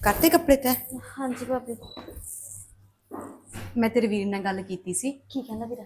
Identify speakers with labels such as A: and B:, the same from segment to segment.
A: ਕਰਤੇ ਕੱਪੜੇ ਤੈ?
B: ਹਾਂਜੀ ਭਾਬੀ।
A: ਮੈਂ ਤੇਰੇ ਵੀਰ ਨਾਲ ਗੱਲ ਕੀਤੀ ਸੀ।
B: ਕੀ ਕਹਿੰਦਾ ਵੀਰਾ?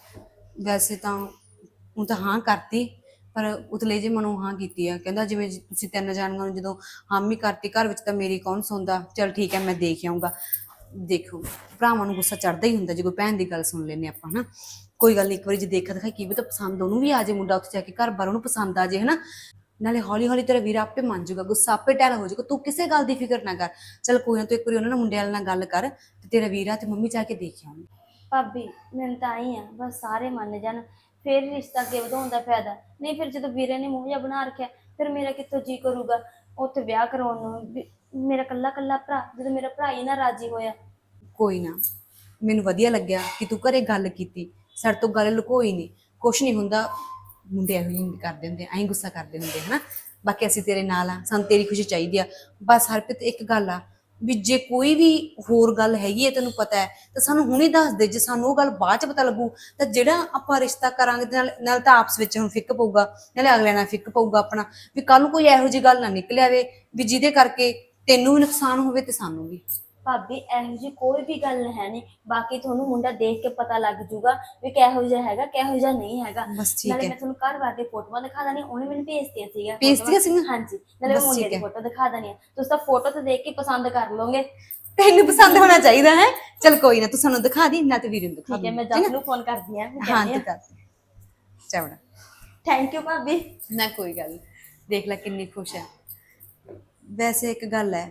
A: ਵੈਸੇ ਤਾਂ ਉਹ ਤਾਂ ਹਾਂ ਕਰਤੀ, ਪਰ ਉਤਲੇ ਜੇ ਮਨੋਂ ਹਾਂ ਕੀਤੀ ਆ। ਕਹਿੰਦਾ ਜਿਵੇਂ ਤੁਸੀਂ ਤਿੰਨ ਜਾਣੀਆਂ ਨੂੰ ਜਦੋਂ ਹਾਮੀ ਕਰਤੀ ਘਰ ਵਿੱਚ ਤਾਂ ਮੇਰੀ ਕੌਣ ਸੁਣਦਾ। ਚਲ ਠੀਕ ਹੈ, ਮੈਂ ਦੇਖ ਆਊਂਗਾ। ਦੇਖੋ ਭਰਾਵਾਂ ਨੂੰ ਗੁੱਸਾ ਚੜਦਾ ਹੀ ਹੁੰਦਾ ਜੇ ਕੋਈ ਭੈਣ ਦੀ ਗੱਲ ਸੁਣ ਲੈਂਦੇ ਆਪਾਂ, ਹਨਾ। ਕੋਈ ਗੱਲ ਨਹੀਂ, ਇੱਕ ਵਾਰੀ ਜੇ ਦੇਖਾ ਦਿਖਾਈ ਕੀ ਵੀ ਤਾਂ ਪਸੰਦ ਉਹਨੂੰ ਵੀ ਆ ਜੇ, ਮੁੰਡਾ ਉੱਥੇ ਜਾ ਕੇ ਘਰ ਬਾਰ ਉਹਨੂੰ ਪਸੰਦ ਆ ਜੇ, ਹਨਾ। ਨਾਲੇ ਹੌਲੀ ਹੌਲੀ ਤੇਰਾ ਵੀਰ ਆਪੇ ਮੰਨ ਜਾਊਗਾ, ਗੁੱਸਾ ਆਪੇ ਟੈਲ ਹੋ ਜਾਊਗਾ। ਤੂੰ ਕਿਸੇ ਗੱਲ ਦੀ ਫਿਕਰ ਨਾ ਕਰ। ਚਲ ਕੋਈ ਨਾ, ਤੂੰ ਇੱਕ ਵਾਰੀ ਉਹਨਾਂ ਨਾਲ ਮੁੰਡੇ ਵਾਲੇ ਨਾਲ ਗੱਲ ਕਰ ਤੇ ਤੇਰਾ ਵੀਰ ਆ ਤੇ ਮੰਮੀ ਜਾ ਕੇ ਦੇਖ ਆਉਂ।
B: ਭਾਬੀ ਮੈਨੂੰ ਤਾਂ ਆਈ ਆ ਬਸ ਸਾਰੇ ਮੰਨ ਜਾਣ, ਫਿਰ ਰਿਸ਼ਤਾ ਅੱਗੇ ਵਧਾਉਣ ਦਾ ਫਾਇਦਾ। ਨਹੀਂ ਫਿਰ ਜਦੋਂ ਵੀਰੇ ਨੇ ਮੂੰਹ ਜਿਹਾ ਬਣਾ ਰੱਖਿਆ, ਫਿਰ ਮੇਰਾ ਕਿੱਥੋਂ ਜੀ ਕਰੂਗਾ ਉੱਥੇ ਵਿਆਹ ਕਰਾਉਣ ਨੂੰ। ਮੇਰਾ ਕੱਲਾ ਕੱਲਾ ਭਰਾ, ਜਦੋਂ ਮੇਰਾ ਭਰਾ ਹੀ ਨਾ ਰਾਜੀ ਹੋਇਆ।
A: ਕੋਈ ਨਾ, ਮੈਨੂੰ ਵਧੀਆ ਲੱਗਿਆ ਕਿ ਤੂੰ ਘਰੇ ਗੱਲ ਕੀਤੀ, ਸਾਡੇ ਤੋਂ ਗੱਲ ਲੁਕੋਈ ਨਹੀਂ। ਕੁਛ ਨਹੀਂ ਹੁੰਦਾ, ਮੁੰਡੇ ਇਹੋ ਜਿਹੇ ਕਰਦੇ ਹੁੰਦੇ, ਐਂ ਗੁੱਸਾ ਕਰਦੇ ਹੁੰਦੇ, ਹਨਾ। ਬਾਕੀ ਅਸੀਂ ਤੇਰੇ ਨਾਲ ਆ, ਸਾਨੂੰ ਤੇਰੀ ਖੁਸ਼ੀ ਚਾਹੀਦੀ ਆ। ਬਸ ਹਰਪ੍ਰੀਤ ਇੱਕ ਗੱਲ ਆ ਵੀ ਜੇ ਕੋਈ ਵੀ ਹੋਰ ਗੱਲ ਹੈਗੀ ਹੈ ਤੈਨੂੰ ਪਤਾ ਹੈ ਤਾਂ ਸਾਨੂੰ ਹੁਣੇ ਦੱਸ ਦੇ। ਜੇ ਸਾਨੂੰ ਉਹ ਗੱਲ ਬਾਅਦ ਚ ਪਤਾ ਲੱਗੂ ਤਾਂ ਜਿਹੜਾ ਆਪਾਂ ਰਿਸ਼ਤਾ ਕਰਾਂਗੇ ਨਾਲ ਤਾਂ ਆਪਸ ਵਿੱਚ ਹੁਣ ਫਿੱਕ ਪਊਗਾ, ਨਾਲੇ ਅਗਲੇ ਨਾਲ ਫਿੱਕ ਪਊਗਾ ਆਪਣਾ। ਵੀ ਕੱਲ ਨੂੰ ਕੋਈ ਇਹੋ ਜਿਹੀ ਗੱਲ ਨਾ ਨਿਕਲ ਆਵੇ ਵੀ ਜਿਹਦੇ ਕਰਕੇ ਤੈਨੂੰ ਵੀ ਨੁਕਸਾਨ ਹੋਵੇ ਤੇ ਸਾਨੂੰ ਵੀ।
B: ਭਾਬੀ ਇਹੋ ਜਿਹੀ ਕੋਈ ਵੀ ਗੱਲ ਹੈ ਨਹੀਂ। ਬਾਕੀ ਤੁਹਾਨੂੰ ਮੁੰਡਾ ਦੇਖ ਕੇ ਪਤਾ ਲੱਗ ਜੂਗਾ ਵੀ ਕਿਹੋ ਜਿਹਾ ਹੈਗਾ ਕਿਹੋ ਜਿਹਾ ਨਹੀਂ ਹੈਗਾ।
A: ਬਸ ਠੀਕ
B: ਨਾਲੇ
A: ਹੈ।
B: ਮੈਂ ਤੁਹਾਨੂੰ ਘਰ ਬਾਰ ਦੇ ਫੋਟੋਆਂ ਦਿਖਾ ਦਾਂ, ਉਹਨੇ ਮੈਨੂੰ ਭੇਜਤੀਆਂ ਸੀਗਾ।
A: ਭੇਜਤੀਆਂ ਸੀਗੀਆਂ?
B: ਹਾਂਜੀ, ਨਾਲੇ
A: ਬਸ
B: ਮੁੰਡੇ
A: ਠੀਕ
B: ਦੀ
A: ਹੈ।
B: ਫੋਟੋ ਦਿਖਾ ਦਾਂ। ਤੁਸੀਂ ਤਾਂ ਫੋਟੋ ਤੇ ਦੇਖ ਕੇ ਪਸੰਦ ਕਰ ਲਓਗੇ।
A: ਤੈਨੂੰ ਪਸੰਦ ਹੋਣਾ ਚਾਹੀਦਾ ਹੈ। ਚਲ ਕੋਈ ਨਾ, ਤੂੰ ਸਾਨੂੰ ਦਿਖਾ ਦੀ ਨਾ ਤੇ ਵੀਰੇ ਨੂੰ ਦਿਖਾ
B: ਠੀਕ ਹੈ,
A: ਦੀ।
B: ਮੈਂ ਜਸ ਨੂੰ ਫੋਨ ਕਰਦੀ ਆ।
A: ਹਾਂ ਤੂੰ ਕਰ ਚਵੜਾ।
B: ਥੈਂਕ ਯੂ ਭਾਬੀ।
A: ਨਾ ਕੋਈ ਗੱਲ ਨੀ। ਦੇਖ ਲੈ ਕਿੰਨੀ ਖੁਸ਼ ਹੈ। ਵੈਸੇ ਇੱਕ ਗੱਲ ਹੈ,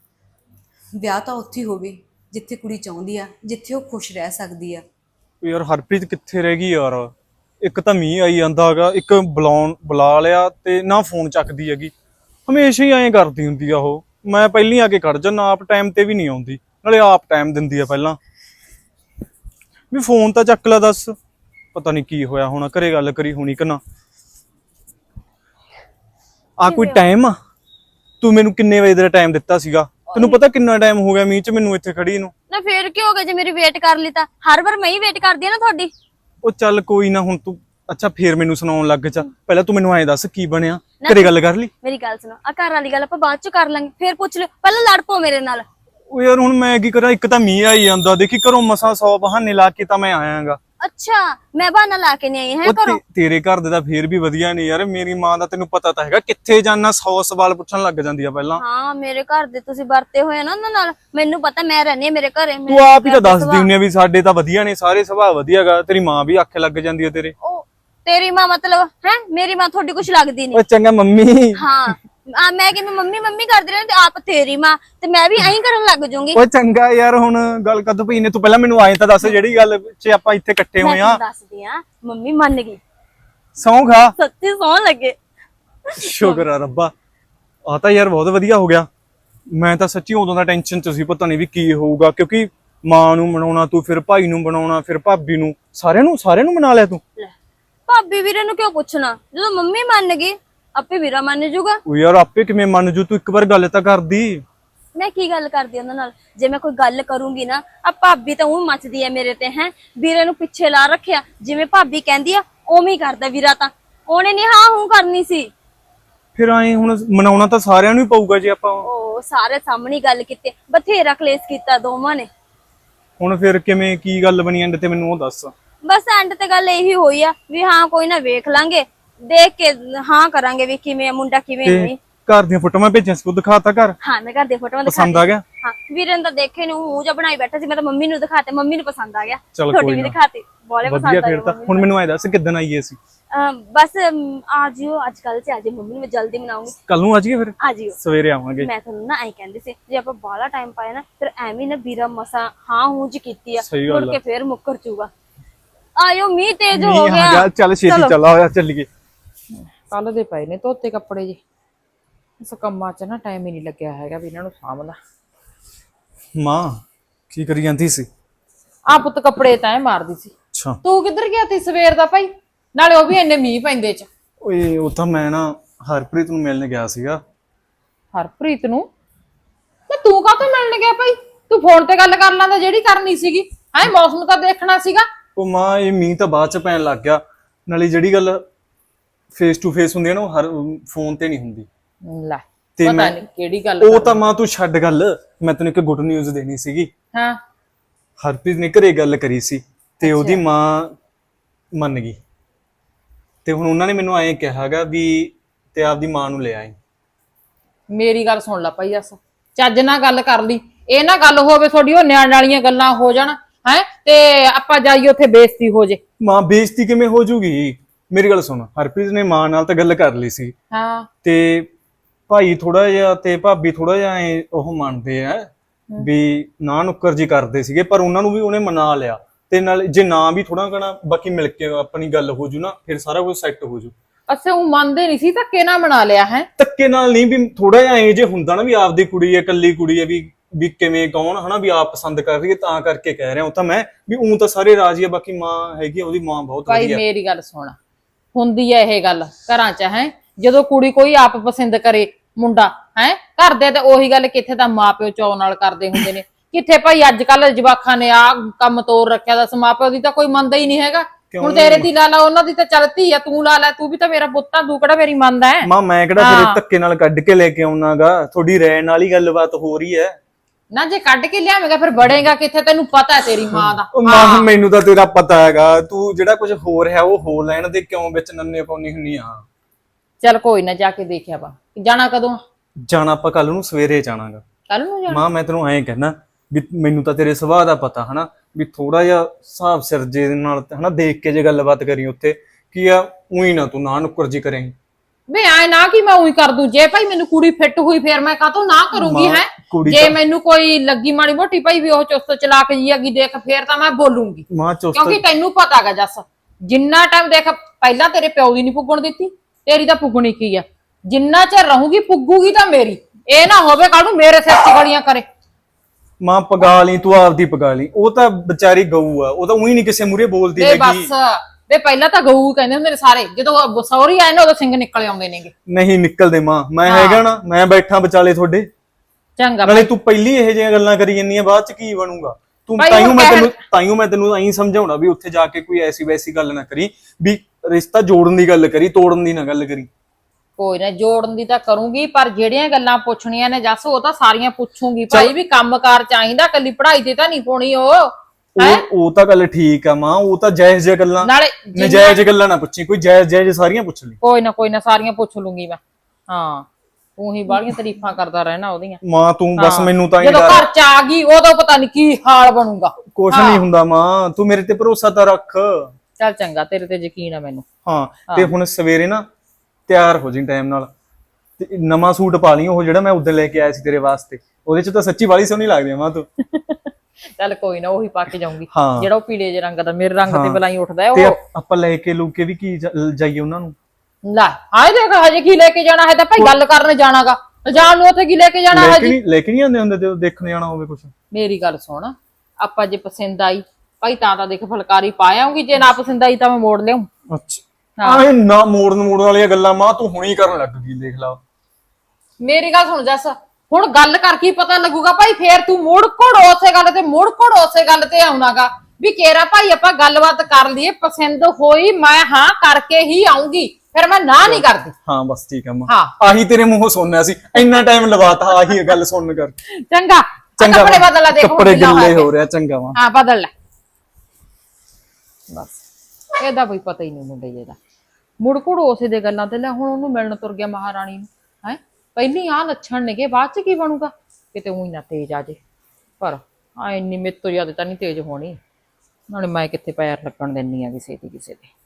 A: ਵਿਆਹ ਤਾਂ ਉੱਥੇ ਹੀ ਹੋਵੇ ਜਿੱਥੇ ਕੁੜੀ ਚਾਹੁੰਦੀ ਆ, ਜਿੱਥੇ ਉਹ ਖੁਸ਼ ਰਹਿ ਸਕਦੀ ਆ।
C: ਯਾਰ ਹਰਪ੍ਰੀਤ ਕਿੱਥੇ ਰਹਿ ਗਈ ਯਾਰ? ਇੱਕ ਤਾਂ ਮੀਂਹ ਆਈ ਜਾਂਦਾ ਹੈਗਾ, ਇੱਕ ਬੁਲਾ ਲਿਆ ਤੇ ਨਾ ਫੋਨ ਚੱਕਦੀ ਹੈਗੀ। ਹਮੇਸ਼ਾ ਹੀ ਐਂ ਕਰਦੀ ਹੁੰਦੀ ਆ ਉਹ। ਮੈਂ ਪਹਿਲੀ ਆ ਕੇ ਖੜ ਜਾਨਾ, ਆਪ ਟਾਈਮ ਤੇ ਵੀ ਨਹੀਂ ਆਉਂਦੀ, ਨਾਲੇ ਆਪ ਟਾਈਮ ਦਿੰਦੀ ਆ ਪਹਿਲਾਂ। ਵੀ ਫੋਨ ਤਾਂ ਚੱਕ ਲੈ, ਦੱਸ ਪਤਾ ਨਹੀਂ ਕੀ ਹੋਇਆ ਹੋਣਾ, ਘਰੇ ਗੱਲ ਕਰੀ ਹੋਣੀ ਕਿ ਨਾ। ਆ ਕੋਈ ਟਾਈਮ ਆ? ਤੂੰ ਮੈਨੂੰ ਕਿੰਨੇ ਵਜੇ ਦਾ ਟਾਈਮ ਦਿੱਤਾ ਸੀਗਾ? ਤੈਨੂੰ ਪਤਾ ਕਿੰਨਾ ਟਾਈਮ ਹੋ ਗਿਆ ਮੀਂਹ ਚ ਮੈਨੂੰ ਇੱਥੇ ਖੜੀ ਨੂੰ?
B: ਨਾ ਫੇਰ ਕੀ ਹੋ ਗਿਆ ਜੇ ਮੇਰੀ ਵੇਟ ਕਰ ਲਈ ਤਾਂ? ਹਰ ਵਾਰ ਮੈਂ ਹੀ ਵੇਟ ਕਰਦੀ ਆ ਨਾ ਤੁਹਾਡੀ।
C: ਉਹ ਚੱਲ ਕੋਈ ਨਾ, ਹੁਣ ਤੂੰ ਅੱਛਾ ਫੇਰ ਮੈਨੂੰ ਸੁਣਾਉਣ ਲੱਗ ਜਾ। ਪਹਿਲਾਂ ਤੂੰ ਮੈਨੂੰ ਐਂ ਦੱਸ ਕੀ ਬਣਿਆ, ਘਰੇ ਗੱਲ ਕਰ ਲਈ?
B: ਮੇਰੀ ਗੱਲ ਸੁਣੋ, ਆ ਘਰ ਵਾਲੀ ਗੱਲ ਆਪਾਂ ਬਾਅਦ ਚ ਕਰ ਲਾਂਗੇ, ਫੇਰ ਪੁੱਛ ਲਿਓ। ਪਹਿਲਾਂ ਲੜ ਪਓ ਮੇਰੇ ਨਾਲ।
C: ਉਹ ਯਾਰ ਹੁਣ ਮੈਂ ਕੀ ਕਰਾਂ, ਇੱਕ ਤਾਂ ਮੀਂਹ ਆਈ ਜਾਂਦਾ, ਦੇਖੀ ਘਰੋਂ ਮਸਾਂ 100 ਬਹਾਨੇ ਲਾ ਕੇ ਤਾਂ ਮੈਂ ਆਇਆਗਾ।
B: ਅੱਛਾ, ਮੈਂ ਬਹਾਨਾ ਲਾ ਕੇ ਨਹੀਂ ਆਈ ਹੈ ਘਰੋਂ?
C: ਤੇਰੇ ਘਰ ਦੇ ਤਾਂ ਫੇਰ ਵੀ ਵਧੀਆ ਨਹੀਂ ਯਾਰ। ਮੇਰੀ ਮਾਂ ਦਾ ਤੈਨੂੰ ਪਤਾ ਤਾਂ ਹੈਗਾ, ਕਿੱਥੇ ਜਾਣਾ 100 ਸਵਾਲ ਪੁੱਛਣ ਲੱਗ ਜਾਂਦੀ ਆ ਪਹਿਲਾਂ।
B: ਹਾਂ, ਮੇਰੇ ਘਰ ਦੇ ਤੁਸੀਂ ਵਰਤੇ ਹੋਏ ਨਾ ਉਹਨਾਂ ਨਾਲ। ਮੈਨੂੰ ਪਤਾ, ਮੈਂ ਰਹਿੰਦੀ ਆ ਮੇਰੇ ਘਰੇ।
C: ਤੂੰ ਆਪ ਹੀ ਤਾਂ ਦੱਸਦੀ ਹੁੰਨੀ ਆ ਵੀ ਸਾਡੇ ਤਾਂ ਵਧੀਆ ਨੇ ਸਾਰੇ, ਸੁਭਾਅ ਵਧੀਆਗਾ। ਤੇਰੀ ਮਾਂ ਵੀ ਆਖੇ ਲੱਗ ਜਾਂਦੀ ਆ ਤੇਰੇ।
B: ਉਹ ਤੇਰੀ ਮਾਂ ਮਤਲਬ ਹੈ? ਮੇਰੀ ਮਾਂ ਤੁਹਾਡੀ ਕੁਛ ਲੱਗਦੀ ਨਹੀਂ।
C: ਉਹ ਚੰਗਾ ਮੰਮੀ।
B: ਹਾਂ, ਮੈਂ ਕਿਵੇਂ ਮੰਮੀ ਮੰਮੀ ਕਰਦੀ ਰਹਿੰਦੀ ਤੇ ਆਪ ਤੇਰੀ ਮਾਂ, ਤੇ ਮੈਂ ਵੀ ਐਂ ਕਰਨ ਲੱਗ ਜਾਊਂਗੀ।
C: ਉਹ ਚੰਗਾ ਯਾਰ, ਹੁਣ ਗੱਲ ਕਦੋਂ ਪਈ ਨੇ? ਤੂੰ ਪਹਿਲਾਂ ਮੈਨੂੰ ਆਏ ਤਾਂ ਦੱਸ, ਜਿਹੜੀ ਗੱਲ ਚ ਆਪਾਂ ਇੱਥੇ ਇਕੱਠੇ ਹੋਏ ਆ।
B: ਮੈਂ ਦੱਸਦੀ ਆ, ਮੰਮੀ ਮੰਨ ਗਈ।
C: ਸੌਂ ਖਾ।
B: ਸੱਚੀ ਸੌਂ ਲੱਗੇ।
C: ਸ਼ੁਕਰ ਆ ਰੱਬਾ, ਆ ਤਾਂ ਯਾਰ ਬਹੁਤ ਵਧੀਆ ਹੋ ਗਿਆ। ਮੈਂ ਤਾਂ ਸੱਚੀ ਉਦੋਂ ਦਾ ਟੈਨਸ਼ਨ ਚ ਸੀ, ਪਤਾ ਨਹੀਂ ਵੀ ਕੀ ਹੋਊਗਾ, ਕਿਉਂਕਿ ਮਾਂ ਨੂੰ ਮਨਾਉਣਾ ਤੂੰ, ਫਿਰ ਭਾਈ ਨੂੰ ਬਣਾਉਣਾ, ਫਿਰ ਭਾਬੀ ਨੂੰ, ਸਾਰਿਆਂ ਨੂੰ ਮਨਾ ਲਿਆ ਤੂੰ।
B: ਭਾਬੀ ਵੀਰੇ ਨੂੰ ਕਿਉਂ ਪੁੱਛਣਾ? ਜਦੋਂ ਮੰਮੀ ਮੰਨ ਗਈ ਆਪੇ ਵੀਰਾ ਮੰਨ ਜਾਊਗਾ।
C: ਉਹ ਯਾਰ ਆਪੇ ਕਿਵੇਂ ਮੰਨ ਜੂ? ਤੂੰ ਇੱਕ ਵਾਰ ਗੱਲ ਤਾਂ ਕਰਦੀ।
B: ਮੈਂ ਕੀ ਗੱਲ ਕਰਦੀ ਉਹਨਾਂ ਨਾਲ? ਜੇ ਮੈਂ ਕੋਈ ਗੱਲ ਕਰੂੰਗੀ ਨਾ, ਆ ਭਾਬੀ ਤਾਂ ਉਹ ਮੱਚਦੀ ਹੈ ਮੇਰੇ ਤੇ। ਹੈ ਵੀਰੇ ਨੂੰ ਪਿੱਛੇ ਲਾ ਰੱਖਿਆ, ਜਿਵੇਂ ਭਾਬੀ ਕਹਿੰਦੀ ਆ ਉਵੇਂ ਹੀ ਕਰਦਾ ਵੀਰਾ। ਤਾਂ ਉਹਨੇ ਨੀ ਹਾਂ ਹੂੰ ਕਰਨੀ ਸੀ।
C: ਫਿਰ ਆਏ ਹੁਣ ਮਨਾਉਣਾ ਤਾਂ ਸਾਰਿਆਂ ਨੂੰ ਹੀ ਪਊਗਾ ਜੇ ਆਪਾਂ।
B: ਉਹ ਸਾਰੇ ਸਾਹਮਣੇ ਗੱਲ ਕੀਤੀ, ਬਥੇਰਾ ਕਲੇਸ਼ ਕੀਤਾ ਦੋਵਾਂ ਨੇ।
C: ਹੁਣ ਫਿਰ ਕਿਵੇਂ, ਕੀ ਗੱਲ ਬਣੀ ਐਂਡ ਤੇ ਮੈਨੂੰ ਉਹ ਦੱਸ।
B: ਬਸ ਐਂਡ ਤੇ ਗੱਲ ਇਹੀ ਹੋਈ ਆ ਵੀ ਹਾਂ ਕੋਈ ਨਾ, ਵੇਖ ਲਾਂਗੇ, ਦੇਖ ਕੇ ਹਾਂ ਕਰਾਂਗੇ ਵੀ ਕਿਵੇਂ ਮੁੰਡਾ ਕਿਵੇਂ ਨਹੀਂ।
C: ਘਰ ਦੀਆਂ ਫੋਟੋਆਂ ਭੇਜੀਆਂ ਸੀ, ਉਹ ਦਿਖਾਤਾ ਘਰ?
B: ਹਾਂ, ਮੈਂ ਘਰ ਦੇ ਫੋਟੋਆਂ
C: ਪਸੰਦ ਆ ਗਿਆ?
B: ਹਾਂ, ਵੀਰੇ ਨੂੰ ਤਾਂ ਦੇਖੇ ਨੂੰ ਮੂੰਹ ਜਿਹਾ ਬਣਾਈ ਬੈਠਾ ਸੀ। ਮੈਂ ਤਾਂ ਮੰਮੀ ਨੂੰ ਦਿਖਾਤੇ, ਮੰਮੀ ਨੂੰ ਪਸੰਦ ਆ ਗਿਆ।
C: ਚਲ
B: ਛੋਟੀ
C: ਕੋਈ
B: ਵੀ
C: ਨਾ,
B: ਦਿਖਾਤੀ, ਬੋਲੇ
C: ਵਧੀਆ।
B: ਪਸੰਦ ਆ
C: ਫਿਰ
B: ਗਿਆ।
C: ਤਾਂ ਹੁਣ ਮੈਨੂੰ ਐ ਦੱਸ ਕਿੱਦਣ ਆਈਏ ਅਸੀਂ?
B: ਬਸ ਆ ਜਿਓ, ਅੱਜ ਕੱਲ ਚ ਆ ਜਿਓ। ਮੰਮੀ ਨੂੰ ਮੈਂ ਜਲਦੀ ਮਨਾਉਂਗੀ।
C: ਕੱਲ ਨੂੰ ਆ ਜਾਈਏ? ਫਿਰ
B: ਆ ਜਿਓ,
C: ਸਵੇਰੇ ਆਵਾਂਗੇ।
B: ਮੈਂ ਤੁਹਾਨੂੰ ਨਾ ਐਂ ਕਹਿੰਦੀ ਸੀ, ਜੇ ਆਪਾਂ ਬਾਹਲਾ ਟਾਈਮ ਪਾਇਆ ਨਾ, ਫਿਰ ਐਵੇਂ ਨਾ ਵੀਰਾ ਮਸਾ ਹਾਂ ਹੂੰ ਜੀ ਕੀਤੀ ਆ, ਮੁੜ ਕੇ ਫੇਰ ਮੁੱਕਰ ਜੂਗਾ। ਆਇਓ, ਮੀਂਹ ਤੇਜ਼ ਹੋ ਗਿਆ।
C: ਚੱਲ ਛੇਤੀ ਚੱਲਾ ਹੋਇਆ, ਚੱਲੀਏ।
D: ਕੱਲ ਦੇ ਪਏ ਨੇ ਧੋਤੇ ਕੱਪੜੇ ਜੀ। ਇਸ ਕੰਮਾਂ 'ਚ ਨਾ ਟਾਈਮ ਹੀ ਨਹੀਂ ਲੱਗਿਆ ਹੈਗਾ ਵੀ ਇਹਨਾਂ ਨੂੰ ਸਾਂਭਦਾ।
C: ਮਾਂ ਕੀ ਕਰੀ ਜਾਂਦੀ ਸੀ?
D: ਆ ਪੁੱਤ ਕੱਪੜੇ ਤਾਂ ਮਾਰਦੀ ਸੀ।
C: ਅੱਛਾ,
D: ਤੂੰ ਕਿੱਧਰ ਗਿਆ ਤੀ ਸਵੇਰ ਦਾ ਭਾਈ? ਨਾਲੇ ਉਹ ਵੀ ਇੰਨੇ ਮੀਂਹ ਪੈਂਦੇ 'ਚ।
C: ਓਏ ਉਹ ਤਾਂ ਮੈਂ ਨਾ ਹਰਪ੍ਰੀਤ ਨੂੰ ਮਿਲਣ ਗਿਆ ਸੀਗਾ।
D: ਹਰਪ੍ਰੀਤ ਨੂੰ? ਤੇ ਤੂੰ ਕਾਹਤੋਂ ਮਿਲਣ ਗਿਆ ਭਾਈ? ਤੂੰ ਫੋਨ ਤੇ ਗੱਲ ਕਰ ਲੈਂਦਾ ਜਿਹੜੀ ਕਰਨੀ ਸੀਗੀ। ਐ ਮੌਸਮ ਤਾਂ ਦੇਖਣਾ ਸੀਗਾ।
C: ਉਹ ਮਾਂ, ਇਹ ਮੀਂਹ ਤਾਂ ਬਾਅਦ ਚ ਪੈਣ ਲੱਗ ਗਿਆ। ਨਾਲੇ ਜਿਹੜੀ ਗੱਲ ਫੇਸ ਟੂ ਫੇਸ ਹੁੰਦੀ ਹੈ ਨਾ, ਉਹ ਹਰ ਫੋਨ ਤੇ ਨਹੀਂ ਹੁੰਦੀ।
D: ਲੈ,
C: ਤੇ
D: ਪਤਾ
C: ਮੈਂ
D: ਨਹੀਂ ਕਿਹੜੀ ਗੱਲ
C: ਉਹ ਤਾਂ ਮਾਂ ਤੂੰ ਛੱਡ ਗੱਲ, ਮੈਂ ਤੈਨੂੰ ਇੱਕ ਗੁੱਡ ਨਿਊਜ਼ ਦੇਣੀ ਸੀਗੀ।
D: ਹਾਂ
C: ਹਰਪ੍ਰੀਤ ਨੇ ਘਰੇ ਗੱਲ ਕਰੀ ਸੀ ਤੇ ਉਹਦੀ ਮਾਂ ਮੰਨ ਗਈ, ਤੇ ਹੁਣ ਉਹਨਾਂ ਨੇ ਮੈਨੂੰ ਐਂ ਕਿਹਾਗਾ ਵੀ ਤੇ ਆਪਦੀ ਮਾਂ ਨੂੰ ਲੈ ਆਏ।
D: ਮੇਰੀ ਗੱਲ ਸੁਣ ਲੈ ਭਾਈ ਜੱਸ, ਚੱਜ ਨਾਲ ਗੱਲ ਕਰ ਲਈ, ਇਹ ਨਾ ਗੱਲ ਹੋਵੇ ਤੁਹਾਡੀ ਉਹ ਨਿਆਣ ਵਾਲੀਆਂ ਗੱਲਾਂ ਹੋ ਜਾਣ ਹੈ ਤੇ ਆਪਾਂ ਜਾਈਏ ਉੱਥੇ ਬੇਇੱਜ਼ਤੀ ਹੋ ਜੇ।
C: ਮਾਂ ਬੇਇੱਜ਼ਤੀ ਕਿਵੇਂ ਹੋ ਜੂਗੀ? ਮੇਰੀ ਗੱਲ ਸੁਣ, ਹਰਪ੍ਰੀਤ ਨੇ ਮਾਂ ਨਾਲ ਤਾਂ ਗੱਲ ਕਰ ਲਈ ਸੀ
D: ਹਾਂ
C: ਤੇ ਭਾਈ ਥੋੜਾ ਜਿਹਾ ਤੇ ਭਾਬੀ ਥੋੜਾ ਜਿਹਾ ਐਂ ਉਹ ਮੰਨਦੇ ਆ ਵੀ ਨਾ ਨੁੱਕਰ ਜੀ ਕਰਦੇ ਸੀਗੇ, ਪਰ ਉਹਨਾਂ ਨੂੰ ਵੀ ਉਹਨੇ ਮਨਾ ਲਿਆ। ਤੇ ਨਾਲ ਜੇ ਨਾ ਵੀ ਥੋੜਾ ਘਣਾ ਬਾਕੀ ਮਿਲ ਕੇ ਆਪਣੀ ਗੱਲ ਹੋ ਜੂ ਨਾ, ਫਿਰ ਸਾਰਾ ਕੁਝ ਸੈੱਟ ਹੋ ਜੂ।
D: ਅੱਛਾ ਉਹ ਮੰਨਦੇ ਨਹੀਂ ਸੀ, ਧੱਕੇ ਨਾਲ ਮਨਾ ਲਿਆ ਹੈ।
C: ਧੱਕੇ ਨਾਲ ਨਹੀਂ, ਵੀ ਥੋੜਾ ਜਿਹਾ ਐ ਜੇ ਹੁੰਦਾ ਨਾ ਵੀ ਆਪਦੀ ਕੁੜੀ ਹੈ, ਇਕੱਲੀ ਕੁੜੀ ਹੈ, ਵੀ ਕਿਵੇਂ ਕੌਣ ਹਨਾ ਵੀ ਆਪ ਪਸੰਦ ਕਰ ਰਹੀ ਹੈ ਤਾਂ ਕਰਕੇ ਕਹਿ ਰਿਹਾ। ਉਹ ਤਾਂ ਮੈਂ ਵੀ ਤਾਂ ਸਾਰੇ ਰਾਜੀ ਆ, ਬਾਕੀ ਮਾਂ ਹੈਗੀ ਆ, ਉਹਦੀ ਮਾਂ ਬਹੁਤ
D: ਭਾਈ
C: ਵਧੀਆ।
D: ਮੇਰੀ ਗੱਲ ਸੁਣ, ਹੁੰਦੀ ਹੈ ਇਹ ਗੱਲ ਘਰਾਂ 'ਚ ਹੈ, ਜਦੋਂ ਕੁੜੀ ਕੋਈ ਆਪ ਪਸੰਦ ਕਰੇ ਮੁੰਡਾ ਹੈ, ਘਰਦੇ ਤੇ ਉਹੀ ਗੱਲ ਕਿੱਥੇ ਤਾਂ ਮਾਪਿਓ ਚੌ ਨਾਲ ਕਰਦੇ ਹੁੰਦੇ ਨੇ, ਕਿੱਥੇ ਭਾਈ ਅੱਜ ਕੱਲ ਜਵਾਖਾਂ ਨੇ ਆ ਕੰਮ ਤੋਰ ਰੱਖਿਆ, ਦੱਸ ਮਾਪਿਓ ਦੀ ਤਾਂ ਕੋਈ ਮੰਨਦਾ ਹੀ ਨਹੀਂ ਹੈਗਾ। ਹੁਣ ਤੇਰੇ ਦੀ ਲਾ ਲਾ, ਉਹਨਾਂ ਦੀ ਤਾਂ ਚਲਤੀ ਆ, ਤੂੰ ਲਾ ਲੈ, ਤੂੰ ਵੀ ਤਾਂ ਮੇਰਾ ਪੁੱਤ ਆ, ਤੂੰ ਕਿਹੜਾ ਮੇਰੀ ਮੰਨਦਾ ਹੈ?
C: ਮਾਂ ਮੈਂ ਕਿਹੜਾ ਤੇਰੇ ਧੱਕੇ ਨਾਲ ਕੱਢ ਕੇ ਲੈ ਕੇ ਆਉਣਾਗਾ, ਤੁਹਾਡੀ ਰਹਿਣ ਵਾਲੀ ਗੱਲਬਾਤ ਹੋ ਰਹੀ ਹੈ
D: ਨਾ। ਜੇ ਕੱਢ ਕੇ ਲਿਆਵੇਂਗਾ ਫਿਰ ਬੜੇਗਾ ਕਿੱਥੇ, ਤੈਨੂੰ ਪਤਾ ਹੈ ਤੇਰੀ ਮਾਂ ਦਾ।
C: ਉਹ ਮਾਂ ਮੈਨੂੰ ਤਾਂ ਤੇਰਾ ਪਤਾ ਹੈਗਾ, ਤੂੰ ਜਿਹੜਾ ਕੁਝ ਹੋ ਰਿਹਾ ਉਹ ਹੋ ਲੈਣ ਦੇ, ਕਿਉਂ ਵਿੱਚ ਨੰਨੇ ਪਾਉਣੀ ਹੁੰਨੀ ਆ।
D: ਚੱਲ ਕੋਈ ਨਾ, ਜਾ ਕੇ ਦੇਖਿਆ ਵਾ। ਜਾਣਾ ਕਦੋਂ?
C: ਜਾਣਾ ਆਪਾਂ ਕੱਲ ਨੂੰ ਸਵੇਰੇ ਜਾਣਾਗਾ।
D: ਕੱਲ ਨੂੰ ਜਾਣਾ?
C: ਮਾਂ ਮੈਂ ਤੈਨੂੰ ਐਂ ਕਹਿਣਾ ਵੀ ਮੈਨੂੰ ਤਾਂ ਤੇਰੇ ਸੁਭਾਅ ਦਾ ਪਤਾ ਹਨਾ, ਵੀ ਥੋੜਾ ਜਿਹਾ ਹਿਸਾਬ ਸਿਰ ਜੇ ਨਾਲ ਹਨਾ ਦੇਖ ਕੇ ਜੇ ਗੱਲਬਾਤ ਕਰੀ ਉੱਥੇ ਕੀ ਆ, ਉਹੀ ਨਾ ਤੂੰ ਨਾ ਨੁੱਕਰ ਜੀ ਕਰੇਂ।
D: ਵੇ ਆਏ ਨਾ ਕਿ ਮੈਂ ਉਹੀ ਕਰ ਦੂੰ, ਜੇ ਭਾਈ ਮੈਨੂੰ ਕੁੜੀ ਫਿੱਟ ਹੋਈ ਫੇਰ ਮੈਂ ਕਾਹਤੋਂ ਨਾ ਕਰੂੰਗੀ ਹੈ। ਜੇ ਮੈਨੂੰ ਕੋਈ ਲੱਗੀ ਮਾੜੀ ਮੋਟੀ ਭਾਈ ਵੀ ਉਹ ਚੁਸਤ ਚਲਾਕ ਜੀ ਹੈਗੀ ਦੇਖ, ਫੇਰ ਤਾਂ ਮੈਂ ਬੋਲੂੰਗੀ,
C: ਮਾਂ ਚੁਸਤ
D: ਕਿਉਂਕਿ ਤੈਨੂੰ ਪਤਾ ਹੈਗਾ ਜੱਸ, ਜਿੰਨਾ ਟਾਈਮ ਦੇਖ ਪਹਿਲਾਂ ਤੇਰੇ ਪਿਓ ਦੀ ਨਹੀਂ ਪੁੱਗਣ ਦਿੱਤੀ, ਤੇਰੀ ਤਾਂ ਪੁੱਗਣੀ ਕੀ ਆ, ਜਿੰਨਾ ਚਿਰ ਰਹੂਗੀ ਪੁੱਗੂਗੀ ਤਾਂ ਮੇਰੀ। ਇਹ ਨਾ ਹੋਵੇ ਕੱਲ ਨੂੰ ਮੇਰੇ ਸਿਰ 'ਚ ਗਲੀਆਂ ਕਰੇ।
C: ਮਾਂ ਪਗਾ ਲਈ ਤੂੰ, ਆਪਦੀ ਪਗਾ ਲਈ, ਉਹ ਤਾਂ ਵਿਚਾਰੀ ਗਊ ਆ, ਉਹ ਤਾਂ ਉਹੀ ਨਹੀਂ ਕਿਸੇ ਮੂਰੇ ਬੋਲਦੀ
D: ਵੇ
C: ਹੈਗੀ।
D: ਬਸ ਵੇ ਪਹਿਲਾਂ ਤਾਂ ਗਊ ਕਹਿੰਦੇ ਹੁੰਦੇ ਨੇ ਸਾਰੇ, ਜਦੋਂ ਸੌਰੀ ਆਏ ਨਾ ਉਦੋਂ ਸਿੰਘ ਨਿਕਲ ਆਉਂਦੇ ਨੇਗੇ।
C: ਨਹੀਂ ਨਿਕਲਦੇ ਮਾਂ, ਮੈਂ ਹੈਗਾ ਨਾ, ਮੈਂ ਬੈਠਾ ਵਿਚਾਲੇ ਤੁਹਾਡੇ।
D: ਚੰਗਾ
C: ਨਾਲੇ ਤੂੰ ਪਹਿਲੀ ਇਹੋ ਜਿਹੀਆਂ ਗੱਲਾਂ ਕਰੀ ਜੰਨੀ ਆ, ਬਾਅਦ ਚ ਕੀ ਬਣੂਗਾ ਤੂੰ?
D: ਭਾਈ
C: ਤਾਈਓ ਮੈਂ ਤੈਨੂੰ ਐਂ ਸਮਝਾਉਣਾ ਵੀ ਉੱਥੇ ਜਾ ਕੇ ਕੋਈ ਐਸੀ ਵੈਸੀ ਗੱਲ ਨਾ ਕਰੀ, ਵੀ ਰਿਸ਼ਤਾ ਜੋੜਨ ਦੀ ਗੱਲ ਕਰੀ, ਤੋੜਨ ਦੀ ਨਾ ਗੱਲ ਕਰੀ।
D: ਕੋਈ ਨਾ, ਜੋੜਨ ਦੀ ਤਾਂ ਕਰੂੰਗੀ, ਪਰ ਜਿਹੜੀਆਂ ਗੱਲਾਂ ਪੁੱਛਣੀਆਂ ਨੇ ਜੱਸ ਉਹ ਤਾਂ ਸਾਰੀਆਂ ਪੁੱਛੂੰਗੀ ਭਾਈ, ਵੀ ਕੰਮਕਾਰ ਚਾਹੀਦਾ, ਕੱਲੀ ਪੜ੍ਹਾਈ ਤੇ ਤਾਂ ਨਹੀਂ ਹੋਣੀ।
C: ਉਹ ਤਾਂ ਗੱਲ ਠੀਕ ਆ ਮਾਂ, ਉਹ ਤਾਂ ਜਾਇਜ਼ ਜਿਹੀਆਂ ਗੱਲਾਂ,
D: ਨਾਲੇ
C: ਨਜਾਇਜ਼ ਗੱਲਾਂ ਨਾ ਪੁੱਛੀ, ਕੋਈ ਜਾਇਜ਼ ਸਾਰੀਆਂ ਪੁੱਛ ਲਈ।
D: ਕੋਈ ਨਾ ਸਾਰੀਆਂ ਪੁੱਛ ਲੂੰਗੀ ਮੈਂ। ਹਾਂ ਤੂੰ ਹੀ ਬਾਹਲੀਆਂ ਤਾਰੀਫਾਂ ਕਰਦਾ ਰਹਿਣਾ ਉਹਦੀਆਂ।
C: ਮਾਂ ਤੂੰ ਬਸ ਮੈਨੂੰ ਤਾਂ
D: ਜਦੋਂ ਘਰ ਚ ਆ ਗਈ ਉਦੋਂ ਪਤਾ ਨਹੀਂ ਕੀ ਹਾਲ ਬਣੂਗਾ।
C: ਕੁਛ ਨਹੀਂ ਹੁੰਦਾ ਮਾਂ, ਤੂੰ ਮੇਰੇ ਤੇ ਭਰੋਸਾ ਤਾਂ ਰੱਖ।
D: ਚੱਲ ਚੰਗਾ, ਤੇਰੇ ਤੇ ਯਕੀਨ ਆ ਮੈਨੂੰ।
C: ਹਾਂ ਤੇ ਹੁਣ ਸਵੇਰੇ ਨਾ ਤਿਆਰ ਹੋ ਜੀ ਟਾਈਮ ਨਾਲ, ਤੇ ਨਵਾਂ ਸੂਟ ਪਾ ਲਈ, ਉਹ ਜਿਹੜਾ ਮੈਂ ਉਦੋਂ ਲੈ ਕੇ ਆਇਆ ਸੀ ਤੇਰੇ ਵਾਸਤੇ, ਉਹਦੇ ਚ ਤਾਂ ਸੱਚੀ ਵਾਲੀ ਸੋਹਣੀ ਲੱਗਦੀ ਆ ਮਾਂ ਤੂੰ।
D: ਚੱਲ ਕੋਈ ਨਾ, ਉਹੀ ਪਾ ਕੇ ਜਾਊਂਗੀ
C: ਹਾਂ।
D: ਜਿਹੜਾ ਉਹ ਪੀਲੇ ਜਿਹੇ ਰੰਗ ਦਾ, ਮੇਰੇ ਰੰਗ ਤੇ ਬਲਾਈ ਉੱਠਦਾ ਹੈ
C: ਤੇ
D: ਉਹ।
C: ਆਪਾਂ ਲੈ ਕੇ ਲੂਕੇ ਵੀ ਕੀ ਜਾਈਏ ਉਹਨਾਂ ਨੂੰ?
D: ਲੈ ਆਏ ਦੇਖ, ਹਜੇ ਕੀ ਲੈ ਕੇ ਜਾਣਾ ਹੈ? ਤਾਂ ਭਾਈ ਗੱਲ ਕਰਨ ਜਾਣਾਗਾ, ਜਾਣ ਨੂੰ ਉੱਥੇ ਕੀ ਲੈ ਕੇ ਜਾਣਾ ਹੈ ਜੀ?
C: ਲੈ ਕੇ ਨਹੀਂ ਆਉਂਦੇ ਹੁੰਦੇ ਜਦੋਂ ਦੇਖਣ ਜਾਣਾ ਹੋਵੇ ਕੁਛ?
D: ਮੇਰੀ ਗੱਲ ਸੁਣ, ਆਪਾਂ ਜੇ ਪਸੰਦ ਆਈ ਭਾਈ ਤਾਂ ਦੇਖ ਫੁਲਕਾਰੀ ਪਾ ਆਉਂਗੀ, ਜੇ ਨਾ ਪਸੰਦ ਆਈ ਤਾਂ ਮੈਂ ਮੋੜ ਲਿਆਉਂ।
C: ਅੱਛਾ ਆਹ ਨਾ ਮੋੜਨ ਵਾਲੀਆਂ ਗੱਲਾਂ ਮਾਂ ਤੂੰ ਹੁਣੀ ਕਰਨ ਲੱਗ ਗਈ, ਦੇਖ ਲਾ।
D: ਮੇਰੀ ਗੱਲ ਸੁਣ ਜੱਸ, ਹੁਣ ਗੱਲ ਕਰ ਕੀ ਪਤਾ ਲੱਗੂਗਾ ਭਾਈ, ਫੇਰ ਤੂੰ ਮੁੜ ਘੜ ਉਸੇ ਗੱਲ ਤੇ ਆਉਣਾਗਾ ਵੀ ਕੇਰਾ ਭਾਈ ਆਪਾਂ ਗੱਲਬਾਤ ਕਰ ਲਈਏ, ਪਸੰਦ ਹੋਈ ਮੈਂ ਹਾਂ ਕਰਕੇ ਹੀ ਆਉਂਗੀ, ਫਿਰ ਮੈਂ ਨਾ ਨਹੀਂ ਕਰਦੀ।
C: ਹਾਂ ਬਸ ਠੀਕ ਆ ਮਾਂ,
D: ਹਾਂ।
C: ਆਹੀ ਤੇਰੇ ਮੂੰਹੋਂ ਸੁਣਨਾ ਸੀ, ਇੰਨਾ ਟਾਈਮ ਲਵਾਤਾ ਆਹੀ ਗੱਲ ਸੁਣਨ ਕਰ।
D: ਚੰਗਾ ਕੱਪੜੇ ਬਦਲ ਲੈ, ਦੇਖ
C: ਕੱਪੜੇ ਗਿੱਲੇ ਹੋ ਰਿਹਾ। ਚੰਗਾ ਮਾਂ,
D: ਹਾਂ ਬਦਲ ਲੈ। ਬਸ ਇਹਦਾ ਕੋਈ ਪਤਾ ਹੀ ਨਹੀਂ ਮੁੰਡੇ ਜਿਹਦਾ, ਮੁੜ ਘੜ ਉਸੇ ਦੇ ਗੱਲਾਂ ਤੇ ਲੈ, ਹੁਣ ਉਹਨੂੰ ਮਿਲਣ ਤੁਰ ਗਿਆ ਮਹਾਰਾਣੀ ਨੂੰ ਹੈ। ਪਹਿਲੀ ਆ ਲੱਛਣ ਨੇਗੇ, ਬਾਅਦ ਚ ਕੀ ਬਣੂਗਾ? ਕਿਤੇ ਉਹੀ ਨਾ ਤੇਜ ਆ ਜੇ, ਪਰ ਆ ਇੰਨੀ ਮੇਰੇ ਤੋਂ ਜ਼ਿਆਦਾ ਤਾਂ ਨਹੀਂ ਤੇਜ ਹੋਣੀ, ਨਾਲੇ ਮੈਂ ਕਿੱਥੇ ਪੈਰ ਲੱਗਣ ਦਿੰਨੀ ਆ ਕਿਸੇ ਦੇ।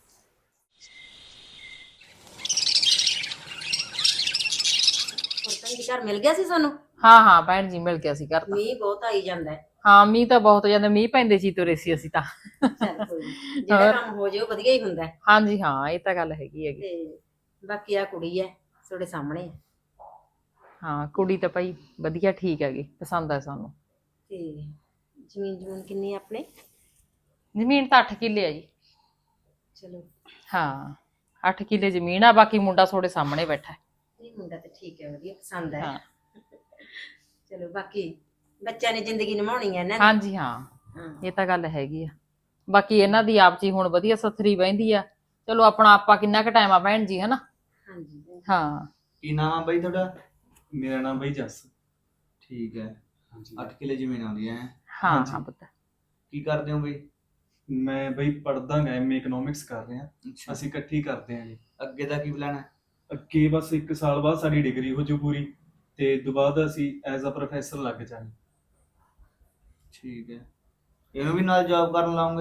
E: ਘਰ ਮਿਲ ਗਿਆ ਸੀ ਸਾਨੂੰ?
D: ਹਾਂ ਭੈਣ ਜੀ ਮਿਲ ਗਿਆ ਸੀ ਘਰ ਤਾਂ।
E: ਮੀਂਹ ਬਹੁਤ ਆਈ ਜਾਂਦਾ ਹੈ।
D: ਹਾਂ ਮੀਂਹ ਤਾਂ ਬਹੁਤ ਜਾਂਦਾ, ਮੀਂਹ ਪੈਂਦੇ ਸੀ ਤੁਰੇ ਸੀ ਅਸੀਂ ਤਾਂ।
E: ਚੱਲ ਕੋਈ ਨੀ, ਜਿਹੜਾ ਕੰਮ ਹੋ ਜੇ ਉਹ ਵਧੀਆ ਹੀ ਹੁੰਦਾ ਹੈ।
D: ਹਾਂਜੀ ਹਾਂ ਇਹ ਤਾਂ ਗੱਲ ਹੈਗੀ।
E: ਤੇ ਬਾਕੀ ਆ ਕੁੜੀ ਹੈ ਤੁਹਾਡੇ ਸਾਹਮਣੇ ਹੈ।
D: ਹਾਂ ਕੁੜੀ ਤਾਂ ਭਾਈ ਵਧੀਆ ਠੀਕ ਹੈਗੀ, ਪਸੰਦ ਆ ਸਾਨੂੰ।
E: ਤੇ ਜ਼ਮੀਨ ਕਿੰਨੀ ਹੈ ਆਪਣੇ?
D: ਜ਼ਮੀਨ ਤਾਂ 8 ਕਿੱਲੇ ਆ ਜੀ।
E: ਚਲੋ
D: ਹਾਂ 8 ਕਿੱਲੇ ਜ਼ਮੀਨ ਆ, ਬਾਕੀ ਮੁੰਡਾ ਤੁਹਾਡੇ ਸਾਹਮਣੇ ਬੈਠਾ ਹੈ।
E: ਇਹ ਮੁੰਡਾ ਤਾਂ ਠੀਕ ਹੈ, ਵਧੀਆ ਪਸੰਦ ਹੈ।
D: ਹਾਂ
E: ਚਲੋ ਬਾਕੀ ਬੱਚਿਆਂ ਨੇ ਜ਼ਿੰਦਗੀ ਨਿਭਾਉਣੀ ਹੈ ਇਹਨਾਂ
D: ਹਾਂਜੀ ਹਾਂ ਇਹ ਤਾਂ ਗੱਲ ਹੈਗੀ ਆ। ਬਾਕੀ ਇਹਨਾਂ ਦੀ ਆਪ ਜੀ ਹੁਣ ਵਧੀਆ ਸਥਰੀ ਬਹਿੰਦੀ ਆ। ਚਲੋ ਆਪਣਾ ਆਪਾਂ ਕਿੰਨਾ ਕੁ ਟਾਈਮ ਆ ਭੈਣ ਜੀ, ਹਨਾ?
E: ਹਾਂਜੀ
D: ਹਾਂ
F: ਕੀ ਨਾਮ ਆ ਬਾਈ ਤੁਹਾਡਾ?
C: ਮੇਰਾ ਨਾਮ ਬਈ ਜੱਸ।
F: ਠੀਕ ਹੈ।
C: ਹਾਂਜੀ
F: 8 ਕਿੱਲੇ ਜ਼ਮੀਨ ਆਉਂਦੀ ਹੈ।
D: ਹਾਂ
C: ਹਾਂਜੀ।
D: ਹਾਂ ਪੁੱਤ।
F: ਕੀ ਕਰਦੇ ਹੋ ਬਈ?
C: ਮੈਂ ਬਈ ਪੜ੍ਹਦਾ ਗਾ, ਐਮਏ ਇਕਨੋਮਿਕਸ ਕਰ ਰਿਹਾ।
F: ਅੱਛਾ,
C: ਅਸੀਂ ਇਕੱਠੀ ਕਰਦੇ ਆਂ ਜੀ।
F: ਅੱਗੇ ਦਾ ਕੀ ਪਲਾਨ ਹੈ?
C: ਅੱਗੇ ਬਸ 1 ਸਾਲ ਬਾਅਦ ਸਾਡੀ ਡਿਗਰੀ ਹੋ ਜੂ ਪੂਰੀ, ਤੇ ਤੋਂ ਬਾਅਦ ਅਸੀਂ ਐਜ਼ ਅ ਪ੍ਰੋਫੈਸਰ ਲੱਗ ਜਾਵਾਂਗੇ।
F: ਠੀਕ ਹੈ। ਇਹਨੂੰ ਵੀ ਨਾਲ ਜੌਬ ਕਰਨ ਲਾਉਂਗੇ?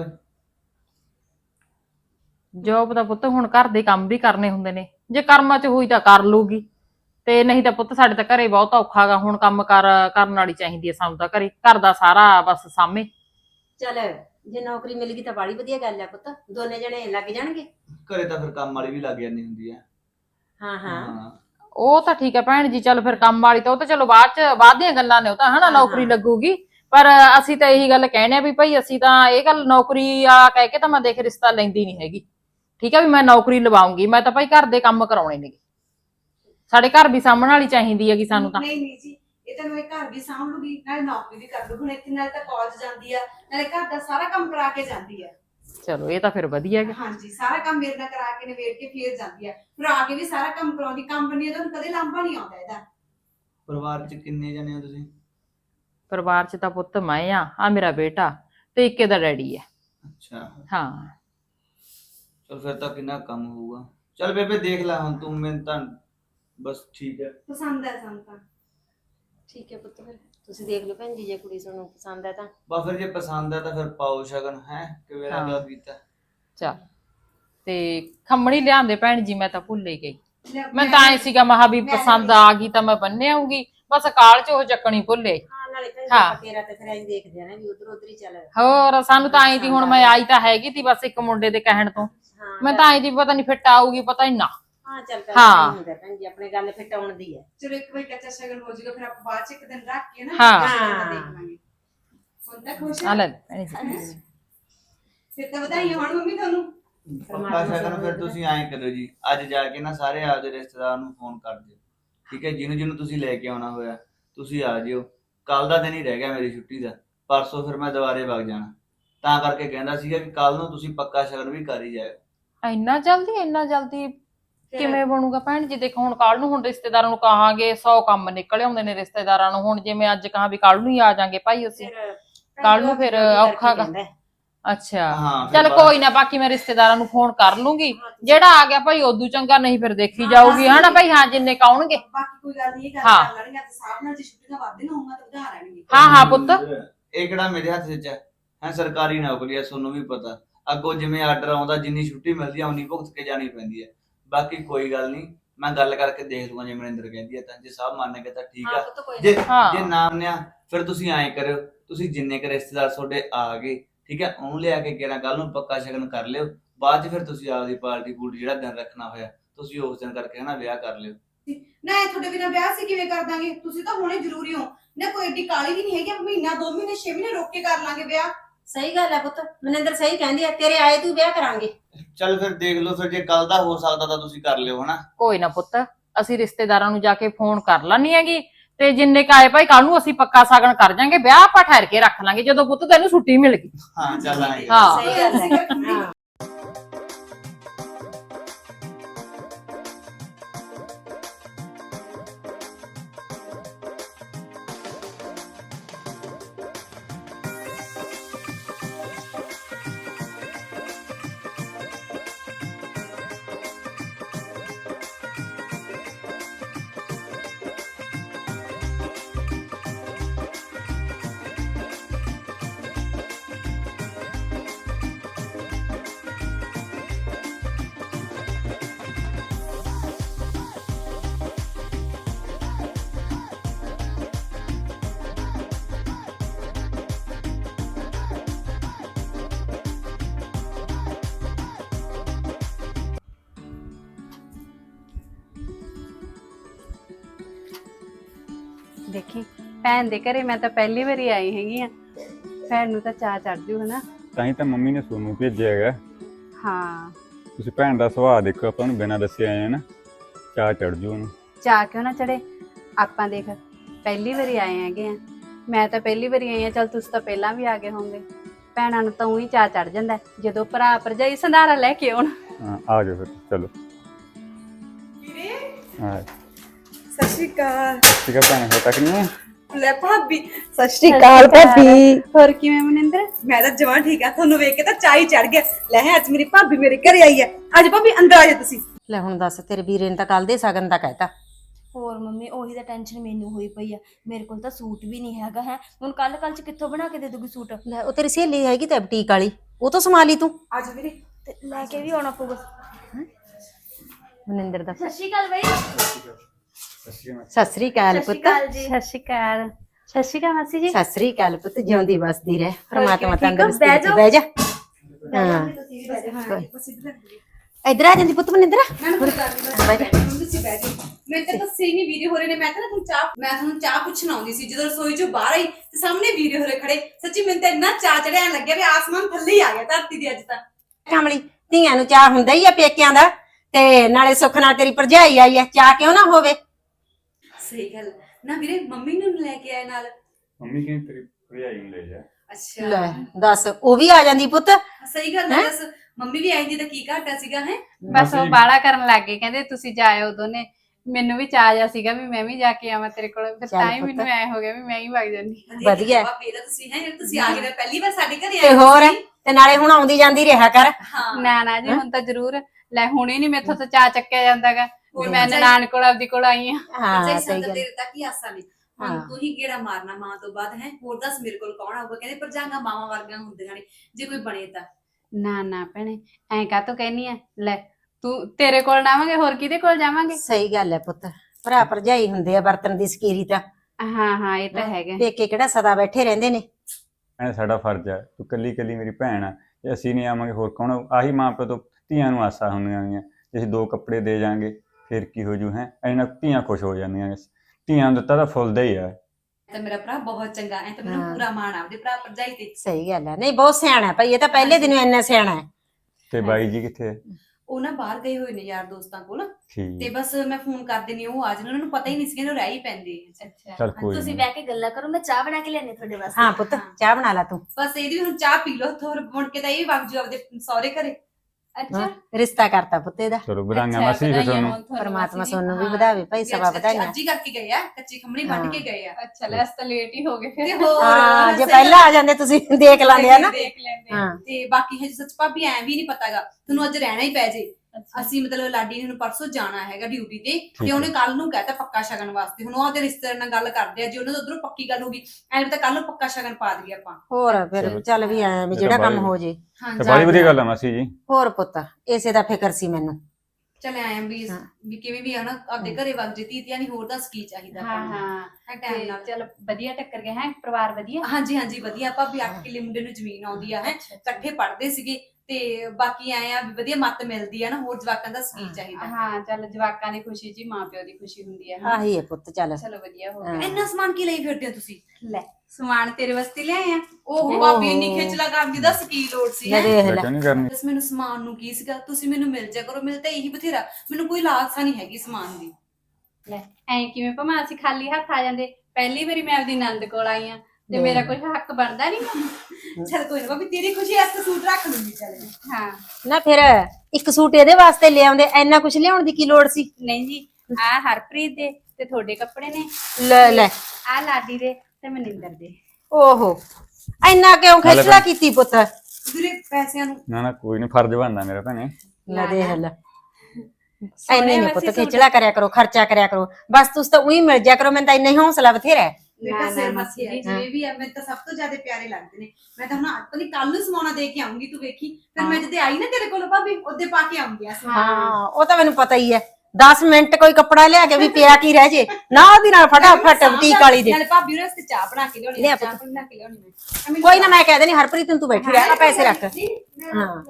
D: ਜੋਬ ਦਾ ਪੁੱਤ ਹੁਣ ਘਰ ਦੇ ਕੰਮ ਵੀ ਕਰਨੇ ਹੁੰਦੇ ਨੇ, ਜੇ ਕਰਮਾਂ 'ਚ ਹੋਈ ਤਾਂ ਕਰ ਲੂਗੀ, ਤੇ ਨਹੀਂ ਤਾਂ ਪੁੱਤ ਸਾਡੇ ਤਾਂ ਘਰੇ ਬਹੁਤ ਔਖਾ ਗਾ। ਹੁਣ ਕੰਮ ਕਰਨ ਵਾਲੀ ਚਾਹੀਦੀ ਹੈ ਸਾਨੂੰ ਤਾਂ ਘਰੇ, ਘਰ ਦਾ ਸਾਰਾ ਬਸ ਸਾਹਮਣੇ।
E: ਚੱਲ ਜੇ ਨੌਕਰੀ ਮਿਲ ਗਈ ਤਾਂ ਬੜੀ ਵਧੀਆ ਗੱਲ ਹੈ ਪੁੱਤ, ਦੋਨੇ ਜਣੇ ਲੱਗ ਜਾਣਗੇ।
F: ਘਰੇ ਤਾਂ ਫਿਰ ਕੰਮ ਵਾਲੀ ਵੀ ਲੱਗ ਜਾਂਦੀ ਹੁੰਦੀ ਹੈ।
E: ਹਾਂ ਹਾਂ
D: ਉਹ ਤਾਂ ਠੀਕ ਹੈ ਭੈਣ ਜੀ, ਚੱਲ ਫਿਰ ਕੰਮ ਵਾਲੀ ਤਾਂ ਉਹ ਤਾਂ ਚਲੋ ਬਾਅਦ ਦੀਆਂ ਗੱਲਾਂ ਨੇ, ਉਹ ਤਾਂ ਹਨਾ
E: ਹਾਂ,
D: ਨੌਕਰੀ
E: ਹਾਂ।
D: ਲੱਗੂਗੀ। ਪਰ ਅਸੀਂ ਤਾਂ ਇਹੀ ਗੱਲ ਕਹਿਣੇ ਆ ਵੀ ਭਾਈ ਅਸੀਂ ਤਾਂ ਇਹ ਗੱਲ ਨੌਕਰੀ ਆ ਕਹਿ ਕੇ ਤਾਂ ਮੈਂ ਦੇਖ ਰਿਸ਼ਤਾ ਲੈਂਦੀ ਨਹੀਂ ਹੈਗੀ। ਠੀਕ ਹੈ ਵੀ ਮੈਂ ਨੌਕਰੀ ਲਵਾਉਂਗੀ, ਮੈਂ ਤਾਂ ਭਾਈ ਘਰ ਦੇ ਕੰਮ ਕਰਾਉਣੇ ਨੇ, ਸਾਡੇ ਘਰ ਵੀ ਸਾਂਭਣ ਵਾਲੀ ਚਾਹੀਦੀ ਹੈਗੀ ਸਾਨੂੰ ਤਾਂ।
A: ਨਹੀਂ ਜੀ, ਇਹ ਤਾਂ ਮੈਂ ਘਰ ਵੀ ਸਾਂਭ ਲੂਗੀ, ਨਾਲੇ ਨੌਕਰੀ ਵੀ ਕਰ ਲੂਗੀ। ਹੁਣ ਇੱਥੇ ਨਾਲੇ ਤਾਂ ਕਾਲਜ ਜਾਂਦੀ ਆ, ਨਾਲੇ ਘਰ ਦਾ ਸਾਰਾ ਕੰਮ ਕਰਾ ਕੇ ਜਾਂਦੀ ਆ।
D: ਚਲੋ ਇਹ ਤਾਂ ਫਿਰ ਵਧੀਆ ਹੈਗਾ।
A: ਹਾਂਜੀ, ਸਾਰਾ ਕੰਮ ਮੇਰੇ ਨਾਲ ਕਰਾ ਕੇ ਨਿਬੇੜ ਕੇ ਫੇਰ ਜਾਂਦੀ ਆ, ਫਿਰ ਆ ਕੇ ਵੀ ਸਾਰਾ ਕੰਮ ਕਰਾਉਂਦੀ। ਕੰਮ ਬੰਨੀ ਤੁਹਾਨੂੰ ਕਦੇ ਲਾਂਭਾ ਨਹੀਂ ਆਉਂਦਾ ਇਹਦਾ।
F: ਪਰਿਵਾਰ 'ਚ ਕਿੰਨੇ ਜਣੇ ਹੋ ਤੁਸੀਂ?
D: ਪਰਿਵਾਰ 'ਚ ਤਾਂ ਪੁੱਤ ਮੈਂ ਆ ਮੇਰਾ ਬੇਟਾ ਤੇ ਇੱਕ ਇਹਦਾ ਡੈਡੀ ਹੈ।
F: ਅੱਛਾ,
D: ਹਾਂ
F: ਚਲ ਫਿਰ ਤਾਂ ਕਿੰਨਾ ਕੰਮ ਹੋਊਗਾ। ਚੱਲ ਬੇਬੇ ਦੇਖ ਲੈ ਹੁਣ ਤੂੰ, ਮੈਨੂੰ ਤਾਂ ਬਸ ਠੀਕ ਹੈ।
A: ਪਸੰਦ ਹੈ ਸਾਨੂੰ ਤਾਂ।
E: ਠੀਕ ਹੈ ਪੁੱਤ, ਫਿਰ ਤੁਸੀਂ ਦੇਖ ਲਓ ਭੈਣ ਜੀ, ਜੇ ਕੁੜੀ ਤੁਹਾਨੂੰ ਪਸੰਦ ਹੈ ਤਾਂ।
F: ਬਸ ਫਿਰ ਜੇ ਪਸੰਦ ਹੈ ਤਾਂ ਫਿਰ ਪਾਓ ਸ਼ਗਨ। ਹੈ ਕਿਵੇਂ ਦਾ ਗੱਲ ਕੀਤਾ?
D: ਚੱਲ ਤੇ ਖੰਮਣੀ ਲਿਆਂਦੇ ਭੈਣ ਜੀ, ਮੈਂ ਤਾਂ ਭੁੱਲ ਹੀ ਗਈ। ਮੈਂ ਤਾਂ ਐ ਸੀਗਾ ਮਹਾ ਵੀ ਪਸੰਦ ਆ ਗਈ ਤਾਂ ਮੈਂ ਬੰਨੇ ਆਉਂਗੀ, ਬਸ ਕਾਲ 'ਚ ਉਹ ਚੱਕਣੀ ਭੁੱਲੇ।
E: ਹਾਂ ਨਾਲੇ ਭੈਣ
D: ਹਾਂ।
E: ਜੀ ਤੇਰਾ ਤੇ ਫਿਰ ਐਂ ਦੇਖਦੇ ਆ ਨਾ ਵੀ ਉਧਰ ਉਧਰ ਹੀ ਚੱਲ।
D: ਹੋਰ ਸਾਨੂੰ ਤਾਂ ਆਈ ਤੀ, ਹੁਣ ਮੈਂ ਆਈ ਤਾਂ ਹੈਗੀ ਤੀ ਬਸ ਇੱਕ ਮੁੰਡੇ ਦੇ ਕਹਿਣ ਤੋਂ।
E: ਹਾਂ
D: ਮੈਂ ਤਾਂ ਆਈ ਤੀ ਪਤਾ ਨਹੀਂ ਫਿੱਟ ਆਊਗੀ, ਪਤਾ ਹੀ ਨਾ।
E: ਹਾਂ ਚੱਲ
D: ਹਾਂ।
E: ਹੁੰਦਾ ਭੈਣ ਜੀ, ਆਪਣੇ ਗੱਲ ਫਿੱਟ ਆਉਣ ਦੀ ਹੈ।
A: ਚਲੋ ਇੱਕ ਵਾਰੀ ਕੱਚਾ ਸ਼ਗਨ ਹੋ ਜਾਊਗਾ, ਫਿਰ ਆਪਾਂ ਬਾਅਦ ਚ ਇੱਕ ਦਿਨ ਰੱਖ ਕੇ ਨਾ
D: ਹਾਂ।
A: ਕੱਚਾ ਸ਼ਗਨ ਦਾ ਦੇਖ ਲਾਂਗੇ। ਹੁਣ ਤਾਂ ਖੁਸ਼
D: ਆ
A: ਹੈ?
D: ਲੈ ਭੈਣ ਜੀ।
A: ਫਿਰ ਤਾਂ ਵਧਾਈਆਂ ਹੋਣ ਮੰਮੀ ਤੁਹਾਨੂੰ।
F: ਪੱਕਾ ਸ਼ਗਨ ਫਿਰ ਤੁਸੀਂ ਐਂ ਕਰੋ ਜੀ, ਅੱਜ ਜਾ ਕੇ ਨਾ ਸਾਰੇ ਆਪਦੇ ਰਿਸ਼ਤੇਦਾਰ ਨੂੰ ਫੋਨ ਕਰ ਦਿਓ। ਠੀਕ ਹੈ, ਜਿਹਨੂੰ ਤੁਸੀਂ ਲੈ ਕੇ ਆਉਣਾ ਹੋਇਆ ਤੁਸੀਂ ਆ ਜਿਓ। ਕੱਲ ਦਾ ਦਿਨ ਹੀ ਰਹਿ ਗਿਆ ਮੇਰੀ ਛੁੱਟੀ ਦਾ, ਪਰਸੋਂ ਫਿਰ ਮੈਂ ਦੁਬਾਰੇ ਵਗ ਜਾਣਾ। ਤਾਂ ਕਰਕੇ ਕਹਿੰਦਾ ਸੀਗਾ ਕਿ ਕੱਲ ਨੂੰ ਤੁਸੀਂ ਪੱਕਾ ਸ਼ਗਨ ਵੀ ਕਰ ਹੀ ਜਾਇਓ।
D: ਇੰਨਾ ਜਲਦੀ ਕਿਵੇਂ ਬਣੂਗਾ ਭੈਣ ਜੀ? ਦੇਖੋ ਹੁਣ ਕੱਲ ਨੂੰ ਹੁਣ ਰਿਸ਼ਤੇਦਾਰਾਂ ਨੂੰ ਕਹਾਂਗੇ, 100 ਕੰਮ ਨਿਕਲ ਆਉਂਦੇ ਨੇ ਰਿਸ਼ਤੇਦਾਰਾਂ ਨੂੰ। ਹੁਣ ਜੇ ਮੈਂ ਅੱਜ ਕਹਾਂ ਵੀ ਕੱਲ ਨੂੰ ਹੀ ਆ ਜਾਾਂਗੇ ਭਾਈ ਅਸੀਂ, ਕੱਲ ਨੂੰ ਫਿਰ ਔਖਾ ਗਾ। ਅੱਛਾ
F: ਹਾਂ, ਫਿਰ
D: ਚੱਲ
F: ਬਾਅਦ-
D: ਕੋਈ ਨਾ, ਬਾਕੀ ਮੈਂ ਰਿਸ਼ਤੇਦਾਰਾਂ ਨੂੰ ਫੋਨ ਕਰ ਲੂੰਗੀ। ਜਿਹੜਾ ਆ ਗਿਆ ਭਾਈ ਉਦੋਂ ਚੰਗਾ, ਨਹੀਂ ਫਿਰ ਦੇਖੀ ਜਾਊਗੀ ਹਨਾ ਭਾਈ। ਹਾਂ ਜਿੰਨੇ ਕਾਉਣਗੇ।
A: ਬਾਕੀ ਕੋਈ ਗੱਲ ਨਹੀਂ, ਇਹ ਗੱਲ
D: ਹਾਂ।
A: ਕਰ ਲੈਣਗੇ ਤੇ ਸਾਹਿਬ ਨਾਲ, ਜੇ ਛੁੱਟੀਆਂ ਵੱਧ ਨਾ ਹੋਊਗਾ ਤਾਂ ਵਧਾ ਲੈਣਗੇ।
D: ਹਾਂ ਪੁੱਤ।
F: ਇਹ ਕਿਹੜਾ ਮੇਰੇ ਹੱਥ 'ਚ ਹੈ ਸਰਕਾਰੀ ਨੌਕਰੀ ਹੈ, ਤੁਹਾਨੂੰ ਵੀ ਪਤਾ। ਅੱਗੋਂ ਜਿਵੇਂ ਆਰਡਰ ਆਉਂਦਾ, ਜਿੰਨੀ ਛੁੱਟੀ ਮਿਲਦੀ ਆ ਉਨੀ ਭੁਗਤ ਕੇ ਜਾਣੀ ਪੈਂਦੀ ਹੈ। ਬਾਕੀ ਕੋਈ ਗੱਲ ਨਹੀਂ, ਮੈਂ ਗੱਲ ਕਰਕੇ ਦੇਖ ਲੂੰਗਾ। ਜੇ ਮਨਿੰਦਰ ਕਹਿੰਦੀ ਹੈ ਤਾਂ, ਜੇ ਸਾਹਿਬ ਮੰਨ ਗਏ ਤਾਂ ਠੀਕ
E: ਹਾਂ
F: ਆ।
E: ਪੁੱਤ ਕੋਈ
F: ਜੇ
D: ਹਾਂ।
F: ਜੇ ਨਾ ਮੰਨਿਆ ਫਿਰ ਤੁਸੀਂ ਐਂ ਕਰਿਓ, ਤੁਸੀਂ ਜਿੰਨੇ ਕੁ ਰਿਸ਼ਤੇਦਾਰ ਤੁਹਾਡੇ ਆ ਗਏ, ਠੀਕ ਹੈ, ਉਹਨੂੰ ਲਿਆ ਕੇ ਕਿਹੜਾ ਕੱਲ ਨੂੰ ਪੱਕਾ ਸ਼ਗਨ ਕਰ ਲਿਓ। ਬਾਅਦ 'ਚ ਫਿਰ ਤੁਸੀਂ ਆਪਦੀ ਪਾਰਟੀ ਪੂਰਟੀ ਜਿਹੜਾ ਦਿਨ ਰੱਖਣਾ ਹੋਇਆ ਤੁਸੀਂ ਉਸ ਦਿਨ ਕਰਕੇ ਹਨਾ ਵਿਆਹ ਕਰ ਲਿਓ।
A: ਨਾ ਇਹ ਤੁਹਾਡੇ ਬਿਨਾਂ ਵਿਆਹ ਸੀ ਕਿਵੇਂ ਕਰ ਦਾਂਗੇ? ਤੁਸੀਂ ਤਾਂ ਹੁਣੇ ਜ਼ਰੂਰੀ ਹੋ ਨਾ, ਕੋਈ ਏਡੀ ਕਾਲੀ ਵੀ ਨਹੀਂ ਹੈਗੀ। ਆਪਾਂ ਮਹੀਨਾ 2 ਮਹੀਨੇ 6 ਮਹੀਨੇ ਰੋਕ ਕੇ ਕਰ ਲਾਂਗੇ ਵਿਆਹ।
E: ਸਹੀ ਗੱਲ ਹੈ ਪੁੱਤ, ਮਨਿੰਦਰ ਸਹੀ ਕਹਿੰਦੀ ਹੈ, ਤੇਰੇ ਆਏ ਤੂੰ ਵਿਆਹ ਕਰਾਂਗੇ।
F: ਚੱਲ ਫਿਰ ਦੇਖ ਲਓ, ਫਿਰ ਜੇ ਕੱਲ ਦਾ ਹੋ ਸਕਦਾ ਤਾਂ ਤੁਸੀਂ ਕਰ ਲਿਓ ਹਨਾ।
D: ਕੋਈ ਨਾ ਪੁੱਤ, ਅਸੀਂ ਰਿਸ਼ਤੇਦਾਰਾਂ ਨੂੰ ਜਾ ਕੇ ਫੋਨ ਕਰ ਲੈਣੀ ਹੈਗੀ, ਤੇ ਜਿੰਨੇ ਕ ਆਏ ਭਾਈ ਕੱਲ ਨੂੰ ਅਸੀਂ ਪੱਕਾ ਸਾਗਣ ਕਰ ਜਾਾਂਗੇ। ਵਿਆਹ ਆਪਾਂ ਠਹਿਰ ਕੇ ਰੱਖ ਲਾਂਗੇ ਜਦੋਂ ਪੁੱਤ ਤੈਨੂੰ ਛੁੱਟੀ ਮਿਲ ਗਈ।
F: ਹਾਂ ਚੱਲ ਆਏ।
D: ਹਾਂ।
E: ਸਹੀ ਗੱਲ ਹੈ। ਹਾਂ
G: ਦੇਖੀ ਭੈਣ ਦੇ ਘਰੇ ਮੈਂ ਤਾਂ ਪਹਿਲੀ ਵਾਰੀ ਆਈ ਹੈਗੀ ਆ। ਭੈਣ ਨੂੰ ਤਾਂ ਚਾਅ ਚੜ ਜੂ ਹਨਾ।
H: ਤਾਂ ਹੀ ਤਾਂ ਮੰਮੀ ਨੇ ਸੋਨੂੰ ਭੇਜਿਆ ਹੈਗਾ।
G: ਹਾਂ,
H: ਤੁਸੀਂ ਭੈਣ ਦਾ ਸੁਭਾਅ ਦੇਖੋ, ਆਪਾਂ ਨੂੰ ਬਿਨਾਂ ਦੱਸੇ ਆਏ ਆ ਨਾ, ਚਾਹ ਚੜ ਜੂ ਉਹਨੂੰ।
G: ਚਾਅ ਕਿਉਂ ਨਾ ਚੜੇ? ਆਪਾਂ ਦੇਖ ਪਹਿਲੀ ਵਾਰੀ ਆਏ ਹੈਗੇ ਆ, ਮੈਂ ਤਾਂ ਪਹਿਲੀ ਵਾਰੀ ਆਈ ਆ। ਚੱਲ ਤੁਸੀਂ ਤਾਂ ਪਹਿਲਾਂ ਵੀ ਆ ਗਏ ਹੋਵੋਗੇ। ਭੈਣਾਂ ਨੂੰ ਤਾਂ ਉਹੀ ਚਾਅ ਚੜ ਜਾਂਦਾ ਜਦੋਂ ਭਰਾ ਭਰਜਾਈ ਸੰਧਾਰਾ ਲੈ ਕੇ ਆਉਣ।
H: ਹਾਂ ਆ ਜਾਓ ਫਿਰ, ਚਲੋ
A: ਵੀਰੇ
H: ਹਾਂ।
A: ਸਤਿ ਸ਼੍ਰੀ ਅਕਾਲ।
H: ਠੀਕ ਹੈ ਭੈਣ, ਹੋ ਤੱਕ ਨਹੀਂ
A: ਲੈ ਭਾਬੀ ਸਤਿ ਸ਼੍ਰੀ ਅਕਾਲ ਭਾਬੀ।
G: ਹੋਰ ਕਿਵੇਂ ਮਨਿੰਦਰ?
A: ਮੈਂ ਤਾਂ ਜਮਾਂ ਠੀਕ ਆ, ਤੁਹਾਨੂੰ ਵੇਖ ਕੇ ਤਾਂ ਚਾਹ ਹੀ ਚੜ ਗਿਆ। ਲੈ ਅੱਜ ਮੇਰੀ ਭਾਬੀ ਮੇਰੇ ਘਰੇ ਆਈ ਹੈ। ਅੱਜ ਭਾਬੀ ਅੰਦਰ ਆ ਜਾ ਤੁਸੀਂ। ਲੈ ਹੁਣ ਦੱਸ, ਤੇਰੇ ਵੀਰੇ ਨੇ ਤਾਂ ਕੱਲ ਦੇ ਸਗਨ ਦਾ ਕਹਿਤਾ।
B: ਹੋਰ ਮੰਮੀ ਉਹੀ ਤਾਂ ਟੈਨਸ਼ਨ ਮੈਨੂੰ ਹੋਈ ਪਈ ਆ। ਮੇਰੇ ਕੋਲ ਤਾਂ ਸੂਟ ਵੀ ਨਹੀਂ ਹੈਗਾ ਹੈ, ਹੁਣ ਕੱਲ ਚ ਕਿੱਥੋਂ ਬਣਾ ਕੇ ਦੇ ਦੂਗੀ ਸੂਟ?
A: ਲੈ ਉਹ ਤੇਰੀ ਸਹੇਲੀ ਹੈਗੀ ਤਾਂ ਬੁਟੀਕ ਵਾਲੀ, ਉਹ ਤਾਂ ਸੰਭਾਲੀ ਤੂੰ। ਅੱਜ ਵੀਰੇ
B: ਤੇ ਲੈ ਕੇ ਵੀ ਆਉਣਾ ਪਊਗਾ।
A: ਮਨਿੰਦਰ ਦਾ
B: ਸਤਿ ਸ਼੍ਰੀ ਅਕਾਲ ਬਾਈ।
A: ਸਤਿ ਸ੍ਰੀ ਅਕਾਲ ਪੁੱਤ।
B: ਜੀ।
G: ਸਤਿ ਸ਼੍ਰੀ ਅਕਾਲ। ਸਤਿ ਸ਼੍ਰੀ ਅਕਾਲ ਮਾਸੀ ਜੀ।
A: ਸਤਿ ਸ੍ਰੀ ਅਕਾਲ ਪੁੱਤ, ਜਿਉਂਦੀ ਵਸਦੀ ਰਹਿ, ਪ੍ਰਮਾਤਮਾ
B: ਠੀਕ ਹੋ?
A: ਤੰਦਰੁਸਤੀ
B: ਬਹਿ
A: ਵਿੱਚ
B: ਜਾਓ।
A: ਬਹਿ ਜਾ। ਹਾਂ ਇੱਧਰ ਆ ਜਾਂਦੀ ਪੁੱਤ ਮਨਿੰਦਰ।
I: ਮੈਂ ਤਾਂ ਦੱਸੇ ਨਹੀਂ ਵੀਰੇ ਹੋਰੇ ਨੇ। ਮੈਂ ਤੁਹਾਨੂੰ ਚਾਹ ਪੁੱਛਣ ਆਉਂਦੀ ਸੀ ਜਦੋਂ ਰਸੋਈ ਚੋਂ ਬਾਹਰ ਆਈ ਤੇ ਸਾਹਮਣੇ ਵੀਰੇ ਹੋਰੇ ਖੜੇ। ਸੱਚੀ ਮੈਨੂੰ ਤਾਂ ਇੰਨਾ ਚਾਹ ਚੜਿਆ ਲੱਗਿਆ ਵੀ ਆਸਮਾਨ ਥੱਲੇ ਹੀ ਆ ਗਿਆ ਧਰਤੀ ਦੇ ਅੱਜ ਤਾਂ।
A: ਕਮਲੀ, ਧੀਆਂ ਨੂੰ ਚਾਹ ਹੁੰਦਾ ਹੀ ਆ ਪੇਕਿਆਂ ਦਾ, ਤੇ ਨਾਲੇ ਸੁੱਖ ਨਾਲ ਤੇਰੀ ਭਰਜਾਈ ਆਈ ਆ, ਚਾਹ ਕਿਉਂ ਨਾ ਹੋਵੇ।
I: ਸਹੀ ਗੱਲ ਨਾ ਵੀਰੇ। ਮੰਮੀ ਨੂੰ ਲੈ ਕੇ ਆਏ ਨਾਲ?
H: ਮੰਮੀ ਕਹਿੰਦੀ ਤੇਰੀ ਭਰਜਾਈ ਨੂੰ ਲੈ ਜਾ।
I: ਅੱਛਾ
A: ਲੈ ਦੱਸ, ਉਹ ਵੀ ਆ ਜਾਂਦੀ ਪੁੱਤ।
I: ਸਹੀ ਗੱਲ ਹੈ। ਦੱਸ ਮੰਮੀ ਵੀ ਆਈ ਦੀ ਤਾਂ ਕੀ ਘਾਟਾ ਸੀਗਾ ਹੈ।
G: ਬਸ ਉਹ ਬਾਲਾ ਕਰਨ ਲੱਗ ਗਏ, ਕਹਿੰਦੇ ਤੁਸੀਂ ਜਾਇਓ ਦੋਨੇ। ਮੈਨੂੰ ਵੀ ਚਾਹ ਜਾ ਸੀਗਾ ਵੀ ਮੈਂ ਵੀ ਜਾ ਕੇ ਆਵਾਂ ਤੇਰੇ ਕੋਲ, ਫਿਰ
A: ਚੱਲ
G: ਤਾਂ ਹੀ
A: ਪੁੱਤ।
G: ਮੈਨੂੰ ਐ ਹੋ ਗਿਆ ਵੀ ਮੈਂ ਹੀ ਵਗ ਜਾਂਦੀ।
A: ਵਧੀਆ।
I: ਮੇਰਾ ਤੁਸੀਂ ਹੈ ਤੁਸੀਂ ਆ ਗਏ ਪਹਿਲੀ ਵਾਰ ਸਾਡੇ ਘਰੇ
A: ਤੇ
I: ਆਏ
A: ਹੋਰ,
I: ਤੁਸੀਂ।
A: ਤੇ ਨਾਲੇ ਹੁਣ ਆਉਂਦੀ ਜਾਂਦੀ ਰਿਹਾ ਕਰ।
I: ਹਾਂ
G: ਨਾ ਜੀ, ਹੁਣ ਤਾਂ ਜ਼ਰੂਰ। ਲੈ ਹੁਣੇ ਨਹੀਂ ਮੈਥੋਂ ਤਾਂ ਚਾਹ ਚੱਕਿਆ ਜਾਂਦਾਗਾ ਵੀ ਮੈਂ ਨਨਾਣ ਕੋਲ ਆਪਦੀ ਕੋਲ ਆਈ ਆ।
A: ਹਾਂ
I: ਸਹੀ
A: ਸਹੀ ਗੱਲ।
I: ਤੇਰੇ ਤੱਕ ਹੀ ਆਸਾਂ ਨੇ। ਹੁਣ ਤੂੰ ਹੀ ਕਿਹੜਾ ਮਾਰਨਾ ਮਾਂ ਤੋਂ ਬਾਅਦ ਹੈ। ਹੋਰ ਦੱਸ ਮੇਰੇ ਕੋਲ ਕੌਣ ਆਊਗਾ? ਕਹਿੰਦੇ ਭਰਜਾਈਆਂ ਮਾਵਾਂ ਵਰਗੀਆਂ ਹੁੰਦੀਆਂ ਨੇ, ਜੇ ਕੋਈ ਬਣੇ ਤਾਂ।
G: ਨਾ ਭੈਣੇ, ਐਂ ਕਾਹਤੋਂ ਕਹਿਨੀ ਆ? ਲੈ ਤੂੰ ਤੇਰੇ ਕੋਲ ਨਾ ਆਵਾਂਗੇ, ਹੋਰ ਕਿਹਦੇ ਕੋਲ ਜਾਵਾਂਗੇ?
A: ਸਹੀ ਗੱਲ ਹੈ ਪੁੱਤ, ਭਰਾ ਭਰਜਾਈ ਹੁੰਦੇ ਆ ਬਰਤਨ ਦੀ ਸਕੀਰੀ ਤਾਂ।
G: ਹਾਂ ਇਹ ਤਾਂ ਹੈਗਾ।
A: ਪੇਕੇ ਕਿਹੜਾ ਸਦਾ ਬੈਠੇ ਰਹਿੰਦੇ ਨੇ।
H: ਐ ਸਾਡਾ ਫਰਜ਼ ਹੈ, ਤੂੰ ਕੱਲੀ ਕੱਲੀ ਮੇਰੀ ਭੈਣ ਆ, ਜੇ ਅਸੀਂ ਨਹੀਂ ਆਵਾਂਗੇ ਹੋਰ ਕੌਣ ਆਊ? ਆਹੀ ਮਾਂ ਪਿਓ ਤੋਂ ਧੀਆਂ ਨੂੰ ਆਸਾਂ ਹੁੰਦੀਆਂ ਗੀਆਂ, ਜੇ ਅਸੀਂ 2 ਕੱਪੜੇ ਦੇ ਜਾਾਂਗੇ ਫਿਰ ਕੀ ਹੋ ਜੂ ਹੈ। ਐਨਾ ਧੀਆਂ ਖੁਸ਼ ਹੋ ਜਾਂਦੀਆਂ ਨੇ। ਧੀਆਂ ਨੂੰ ਦਿੱਤਾ ਤਾਂ ਫੁੱਲਦਾ ਹੀ ਆ।
I: ਤਾਂ ਮੇਰਾ ਭਰਾ ਬਹੁਤ ਚੰਗਾ ਹੈ, ਤਾਂ ਮੈਨੂੰ ਪੂਰਾ ਮਾਣ ਆ ਆਪਦੇ ਭਰਾ ਭਰਜਾਈ ਤੇ।
A: ਸਹੀ ਗੱਲ ਹੈ। ਨਹੀਂ ਬਹੁਤ ਸਿਆਣਾ ਭਾਈ, ਇਹ ਤਾਂ ਪਹਿਲੇ ਦਿਨੋਂ ਇੰਨਾ ਸਿਆਣਾ ਹੈ।
H: ਤੇ ਬਾਈ ਜੀ ਕਿੱਥੇ?
I: ਉਹ ਨਾ ਬਾਹਰ ਗਏ ਹੋਏ ਨੇ ਯਾਰ ਦੋਸਤਾਂ ਕੋਲ, ਤੇ
H: ਠੀਕ,
I: ਬਸ ਮੈਂ ਫੋਨ ਕਰ ਦਿੰਦੀ ਉਹ ਆ ਜਾਣ। ਉਹਨਾਂ ਨੂੰ ਪਤਾ ਹੀ ਨਹੀਂ ਸੀ ਕਿ ਉਹ ਰਹਿ ਹੀ ਪੈਂਦੇ।
B: ਅੱਛਾ
H: ਚੱਲ ਕੋਈ
B: ਤੁਸੀਂ
H: ਨਹੀਂ।
B: ਬਹਿ ਕੇ ਗੱਲਾਂ ਕਰੋ, ਮੈਂ ਚਾਹ ਬਣਾ ਕੇ ਲਿਆਨੀ ਤੁਹਾਡੇ ਵਾਸਤੇ।
A: ਹਾਂ ਪੁੱਤ, ਚਾਹ ਬਣਾ ਲਾ ਤੂੰ।
I: ਬਸ ਇਹਦੀ ਵੀ ਹੁਣ ਚਾਹ ਪੀ ਲਓ, ਥੋੜ ਮੁੜ ਕੇ ਤਾਂ ਇਹ ਵੀ ਵਗ ਜੂ ਆਪਦੇ ਸਹੁਰੇ ਘਰੇ।
B: ਅੱਛਾ
A: ਹਾਂ, ਰਿਸ਼ਤਾ ਕਰਤਾ ਪੁੱਤ ਇਹਦਾ।
H: ਚਲੋ ਵਧਾਈਆਂ ਮਾਸੀ ਫਿਰ ਤੁਹਾਨੂੰ।
A: ਪਰਮਾਤਮਾ ਤੁਹਾਨੂੰ ਵੀ ਵਧਾਵੇ ਭਾਈ, ਸਭਾ ਵਧਾਈਆਂ।
I: ਅੱਜ ਹੀ ਕਰਕੇ ਗਏ ਆ, ਕੱਚੀ ਖੰਮਣੀ ਵੱਢ ਕੇ ਗਏ ਆ।
G: ਅੱਛਾ ਲੈ, ਅਸ ਤਾਂ ਲੇਟ ਹੀ ਹੋ ਗਏ
I: ਤੇ
G: ਫਿਰ।
I: ਹੋਰ
A: ਹਾਂ, ਜੇ
I: ਸਹੀ
A: ਪਹਿਲਾਂ ਆ ਜਾਂਦੇ ਤੁਸੀਂ ਦੇਖ ਲਾਂਦੇ ਆ ਨਾ।
I: ਦੇਖ ਲੈਂਦੇ
A: ਹਾਂ।
I: ਤੇ ਬਾਕੀ ਹੈ ਸੱਚ ਭਾਬੀ ਐ ਵੀ ਨਹੀਂ ਪਤਾਗਾ ਤੁਹਾਨੂੰ ਅੱਜ ਰਹਿਣਾ ਹੀ ਪੈ ਜੇ। ਅਸੀਂ ਮਤਲਬ ਲਾਡੀ ਨੂੰ ਪਰਸੋਂ ਜਾਣਾ ਹੈਗਾ ਡਿਊਟੀ ਤੇ, ਤੇ ਉਹਨੇ ਕੱਲ ਨੂੰ ਕਹਿਤਾ ਪੱਕਾ ਸ਼ਗਨ ਵਾਸਤੇ। ਹੁਣ ਉਹ ਆਪਦੇ ਰਿਸ਼ਤੇਦਾਰ ਨਾਲ ਗੱਲ ਕਰਦੇ ਆ, ਜੇ ਉਹਨਾਂ ਦਾ ਉਧਰੋਂ ਪੱਕੀ ਗੱਲ ਹੋ ਗਈ ਐਵੇਂ ਤਾਂ ਕੱਲ ਨੂੰ ਪੱਕਾ ਸ਼ਗਨ ਪਾ ਦਈਏ ਆਪਾਂ।
A: ਹੋਰ ਫਿਰ ਚੱਲ ਵੀ ਆਇਆ ਵੀ ਜਿਹੜਾ ਕੰਮ ਹੋ ਜੇ।
H: ਤੇ ਬੜੀ ਵਧੀਆ ਗੱਲ ਆ ਮਾਸੀ ਜੀ।
A: ਹੋਰ ਪੁੱਤ, ਇਸੇ ਦਾ ਫਿਕਰ ਸੀ ਮੈਨੂੰ।
I: ਚੱਲ ਐਂ ਵੀ ਕਿਵੇਂ ਵੀ ਆ ਨਾ ਆਪਦੇ ਘਰੇ ਵਗ ਜੇ ਧੀਆਂ ਨਹੀਂ, ਹੋਰ ਦੱਸ ਕੀ ਚਾਹੀਦਾ ਆਪਾਂ ਨੂੰ।
G: ਹਾਂ
I: ਟਾਈਮ ਨਾਲ
G: ਚਲ ਵਧੀਆ ਟੱਕਰ ਗਿਆ ਹੈ, ਪਰਿਵਾਰ ਵਧੀਆ।
I: ਹਾਂਜੀ ਵਧੀਆ ਭਾਬੀ। 8 ਕਿੱਲੇ ਮੁੰਡੇ ਨੂੰ ਜ਼ਮੀਨ ਆਉਂਦੀ ਆ ਹੈ, ਇਕੱਠੇ ਪੜ੍ਹਦੇ ਸੀਗੇ। ਤੇ ਬਾਕੀ ਆਏ ਆ ਵੀ ਵਧੀਆ ਮੱਤ ਮਿਲਦੀ ਆ ਨਾ, ਹੋਰ ਜਵਾਕਾਂ ਦਾ ਕੀ ਚਾਹੀਦਾ।
G: ਹਾਂ ਚੱਲ ਜਵਾਕਾਂ ਦੀ ਖੁਸ਼ੀ ਜੀ ਮਾਂ ਪਿਓ ਦੀ ਖੁਸ਼ੀ ਹੁੰਦੀ ਹੈ।
A: ਆਹੀ ਹੈ ਪੁੱਤ। ਚੱਲ
G: ਚਲੋ ਵਧੀਆ ਹੋ
A: ਹਾਂ।
G: ਗਿਆ।
I: ਇੰਨਾ ਸਮਾਨ ਕੀ ਲਈ ਫਿਰਦੇ ਹੋ ਤੁਸੀਂ?
G: ਲੈ ਸਮਾਨ ਤੇਰੇ ਵਾਸਤੇ ਲਿਆਏ ਆ।
I: ਉਹ ਭਾਬੀ ਇੰਨੀ ਖਿੱਚ ਲਗਾ ਦੀ, ਦੱਸ ਕੀ ਲੋੜ ਸੀ
A: ਲੈ
I: ਹੈਂ?
A: ਦੇਖ ਲੈ।
H: ਕਿਉਂ ਨਹੀਂ ਕਰਨੀ?
I: ਬਸ ਮੈਨੂੰ ਸਮਾਨ ਨੂੰ ਕੀ ਸੀਗਾ, ਤੁਸੀਂ ਮੈਨੂੰ ਮਿਲ ਜਾ ਕਰੋ। ਮਿਲ ਤਾਂ ਇਹੀ ਬਥੇਰਾ, ਮੈਨੂੰ ਕੋਈ ਲਾਲਸਾ ਨਹੀਂ ਹੈਗੀ ਸਮਾਨ ਦੀ।
G: ਲੈ ਐਂ ਕਿਵੇਂ ਭਾਵੇਂ ਅਸੀਂ ਖਾਲੀ ਹੱਥ ਆ ਜਾਂਦੇ? ਪਹਿਲੀ ਵਾਰੀ ਮੈਂ ਆਪਦੀ ਨੰਦ ਕੋਲ ਆਈ ਆ, ਤੇ ਮੇਰਾ ਕੋਈ ਹੱਕ ਬਣਦਾ ਨਹੀਂ?
I: ਚਲ ਕੋਈ ਨਾ ਭਾਬੀ, ਤੇਰੀ ਖੁਸ਼ੀ ਵਾਸਤੇ ਸੂਟ ਰੱਖ ਲੂੰਗੀ। ਚੱਲ
G: ਹਾਂ
A: ਨਾ ਫਿਰ ਇੱਕ ਸੂਟ ਇਹਦੇ ਵਾਸਤੇ ਲਿਆਉਂਦੇ, ਇੰਨਾ ਕੁਝ ਲਿਆਉਣ ਦੀ ਕੀ ਲੋੜ ਸੀ?
G: ਨਹੀਂ ਜੀ, ਆ ਹਰਪ੍ਰੀਤ ਦੇ ਤੇ ਤੁਹਾਡੇ ਕੱਪੜੇ ਨੇ,
A: ਲੈ
G: ਆ ਲਾਡੀ ਦੇ ਤੇ ਮਨਿੰਦਰ ਦੇ।
A: ਓਹੋ, ਇੰਨਾ ਕਿਉਂ ਖੇਚਲਾ ਕੀਤੀ ਪੁੱਤ?
I: ਵੀਰੇ ਪੈਸਿਆਂ ਨੂੰ
H: ਨਾ ਕੋਈ ਨਹੀਂ, ਫਰਜ਼ ਬਣਦਾ ਮੇਰਾ ਭੈਣੇ।
A: ਲੈ ਦੇਖ ਲੈ, ਐਨੇ ਨਹੀਂ ਪੁੱਤ ਖੇਚਲਾ ਕਰਿਆ ਕਰੋ, ਖਰਚਾ ਕਰਿਆ ਕਰੋ। ਬਸ ਤੁਸੀਂ ਤਾਂ ਉਹੀ ਮਿਲ ਜਾ ਕਰੋ, ਮੈਨੂੰ ਤਾਂ ਇੰਨਾ ਹੀ ਹੌਸਲਾ ਬਥੇਰਾ ਹੈ।
I: ਬੇਟਾ ਸਿਰ ਮੱਥੇ ਆ, ਜਿਵੇਂ ਵੀ ਆ ਮੈਨੂੰ ਤਾਂ ਸਭ ਤੋਂ ਜ਼ਿਆਦਾ ਪਿਆਰੇ ਲੱਗਦੇ ਨੇ। ਮੈਂ ਤਾਂ ਹੁਣ ਪਤਾ ਨਹੀਂ ਕੱਲ ਨੂੰ ਸਮਾਉਣਾ ਦੇ ਕੇ ਆਉਂਗੀ, ਤੂੰ ਵੇਖੀ। ਫਿਰ ਮੈਂ ਜਦੇ ਆਈ ਨਾ ਤੇਰੇ ਕੋਲ ਭਾਬੀ, ਉਹਦੇ ਪਾ ਕੇ ਆਉਂਗੀ ਆ ਸਮਾਨ।
A: ਹਾਂ ਉਹ ਤਾਂ ਮੈਨੂੰ ਪਤਾ ਹੀ ਹੈ। 10 ਮਿੰਟ ਕੋਈ ਕੱਪੜਾ ਲਿਆ ਕੇ ਵੀ ਪਿਆ ਕੀ ਰਹਿ ਜੇ ਨਾ, ਉਹਦੀ ਨਾਲ ਫਟਾਫਟ ਬੁਟੀਕ ਵਾਲੀ ਦੇ।
I: ਨਾਲੇ ਭਾਬੀ ਉਹਨਾਂ ਵਾਸਤੇ ਚਾਹ ਬਣਾ ਕੇ ਲਿਆਉਣੀ,
A: ਲਿਆ
I: ਚਾਹ
A: ਪੁੱਤ।
I: ਬਣਾ ਕੇ ਲਿਆਉਣੀ ਮੈਂ।
A: ਕੋਈ ਨਾ, ਮੈਂ ਕਹਿ ਦੇਣੀ ਹਰਪ੍ਰੀਤ ਨੂੰ ਤੂੰ ਬੈਠੀ ਰਹਿ, ਆ ਪੈਸੇ ਰੱਖ। ਹਾਂ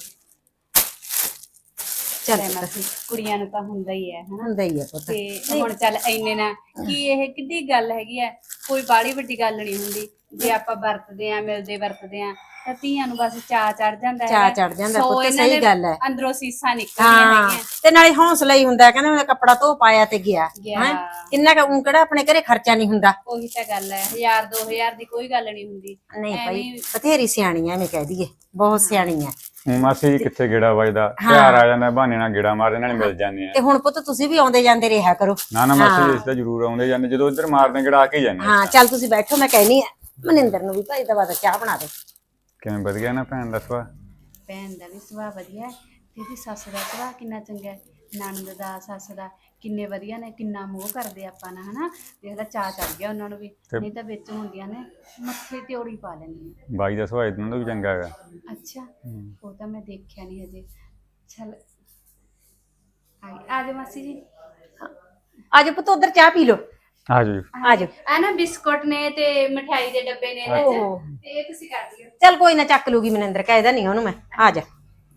A: ਚੱਲ
G: ਲੈ ਮਾਸੀ, ਕੁੜੀਆਂ ਨੂੰ ਤਾਂ ਹੁੰਦਾ ਹੀ ਹੈ ਹਨਾ।
A: ਹੁੰਦਾ ਹੀ ਹੈ ਪੁੱਤ।
G: ਤੇ ਹੁਣ ਚੱਲ ਇੰਨੇ ਨਾ ਕੀ, ਇਹ ਕਿੱਡੀ ਗੱਲ ਹੈਗੀ ਆ, ਕੋਈ ਬਾੜੀ ਵੱਡੀ ਗੱਲ ਨਹੀਂ ਹੁੰਦੀ। ਜੇ ਆਪਾਂ ਵਰਤਦੇ ਆ ਮਿਲਦੇ ਵਰਤਦੇ ਆ ਤਾਂ ਧੀਆਂ ਨੂੰ ਬਸ ਚਾਅ ਚੜ ਜਾਂਦਾ
E: ਚਾਅ
G: ਹੈਗਾ।
E: ਚੜ ਜਾਂਦਾ
G: ਸੋ
E: ਪੁੱਤ,
G: ਇਹਨਾਂ
E: ਸਹੀ
G: ਦੇ
E: ਗੱਲ ਹੈ।
G: ਅੰਦਰੋਂ ਸੀਸਾਂ ਨਿਕਲਦੀਆਂ
E: ਹਾਂ
G: ਹੈਗੀਆਂ।
E: ਤੇ ਨਾਲੇ ਹੌਸਲਾ ਹੀ ਹੁੰਦਾ, ਕਹਿੰਦਾ ਮੈਂ ਕੱਪੜਾ ਧੋ ਪਾਇਆ ਤੇ ਗਿਆ
G: ਗਿਆ।
E: ਹੈਂ। ਕਿੰਨਾ ਕੁ ਕਿਹੜਾ ਆਪਣੇ ਘਰੇ ਖਰਚਾ ਨਹੀਂ ਹੁੰਦਾ।
G: ਉਹੀ ਤਾਂ ਗੱਲ ਹੈ, 1000 2000 ਦੀ ਕੋਈ ਗੱਲ ਨਹੀਂ ਹੁੰਦੀ।
E: ਨਹੀਂ ਭਾਈ
G: ਐਵੇਂ-
E: ਬਥੇਰੀ ਸਿਆਣੀ ਐ, ਮੈਂ ਕਹਿ ਦਈਏ ਬਹੁਤ ਸਿਆਣੀ ਐ।
H: ਹੁਣ ਮਾਸੀ ਜੀ ਕਿੱਥੇ ਗੇੜਾ ਵੱਜਦਾ, ਤਿਉਹਾਰ ਆ ਜਾਂਦਾ ਬਹਾਨੇ ਨਾਲ ਗੇੜਾ ਮਾਰਦੇ ਨਾਲ ਮਿਲ ਜਾਂਦੇ ਆ।
E: ਤੇ ਹੁਣ ਪੁੱਤ ਤੁਸੀਂ ਵੀ ਆਉਂਦੇ ਜਾਂਦੇ ਰਿਹਾ ਕਰੋ।
H: ਨਾ ਨਾ ਮਾਸੀ ਜੀ ਇਸ ਤਾਂ ਜ਼ਰੂਰ ਆਉਂਦੇ ਜਾਂਦੇ, ਜਦੋਂ ਇੱਧਰ ਮਾਰਦੇ ਗੇੜਾ ਆ ਕੇ ਹੀ ਜਾਂਦੇ ਆ।
E: ਹਾਂ ਚੱਲ ਤੁਸੀਂ ਬੈਠੋ, ਮੈਂ ਕਹਿਨੀ ਆ ਮਨਿੰਦਰ ਨੂੰ ਵੀ ਭਾਈ ਦਵਾ ਦਾ ਚਾਹ ਬਣਾ ਦੇ।
H: ਕਿਵੇਂ ਵਧੀਆ ਨਾ ਭੈਣ ਦਾ ਸੁਭਾਅ?
G: ਭੈਣ ਦਾ ਵੀ ਸੁਭਾਅ ਵਧੀਆ ਹੈ ਤੇ ਇਹਦੀ ਸੱਸ ਦਾ ਸੁਭਾਅ ਕਿੰਨਾ ਚੰਗਾ ਹੈ। ਨਣਦ ਦਾ ਸੱਸ ਦਾ ਕਿੰਨੇ ਵਧੀਆ ਨੇ, ਕਿੰਨਾ ਮੋਹ ਕਰਦੇ ਆਪਾਂ ਨਾਲ ਹਨਾ। ਦੇਖਦਾ ਚਾਅ ਚੜ ਗਿਆ ਉਹਨਾਂ ਨੂੰ ਵੀ, ਨਹੀਂ ਤਾਂ ਵਿੱਚ ਹੁੰਦੀਆਂ ਨੇ ਮੱਥੇ ਤੇ ਔੜੀ ਪਾ ਲੈਂਦੀਆਂ।
H: ਬਾਈ ਦਾ ਸੁਭਾਅ ਇਹਨਾਂ ਦਾ ਵੀ ਚੰਗਾ ਹੈਗਾ।
G: ਅੱਛਾ ਉਹ ਤਾਂ ਮੈਂ ਦੇਖਿਆ ਨਹੀਂ ਹਜੇ। ਚਲ ਆ ਜਾ ਮਾਸੀ ਜੀ।
E: ਆਜੋ ਪੁੱਤ ਉਧਰ ਚਾਹ ਪੀ ਲਓ।
H: ਆ ਜਾਓ ਜੀ।
E: ਆਜੋ
G: ਆ ਨਾ ਬਿਸਕੁਟ ਨੇ ਤੇ ਮਠਿਆਈ ਦੇ ਡੱਬੇ ਨੇ ਇਹਦੇ
E: ਓਹੋ।
G: ਚ, ਤੇ ਇਹ ਤੁਸੀਂ ਕਰ ਦਿਓ।
E: ਚੱਲ ਕੋਈ ਨਾ ਚੱਕ ਲੂਗੀ ਮਨਿੰਦਰ, ਕਹਿਦਾ ਨਹੀਂ ਉਹਨੂੰ ਮੈਂ। ਆ ਜਾ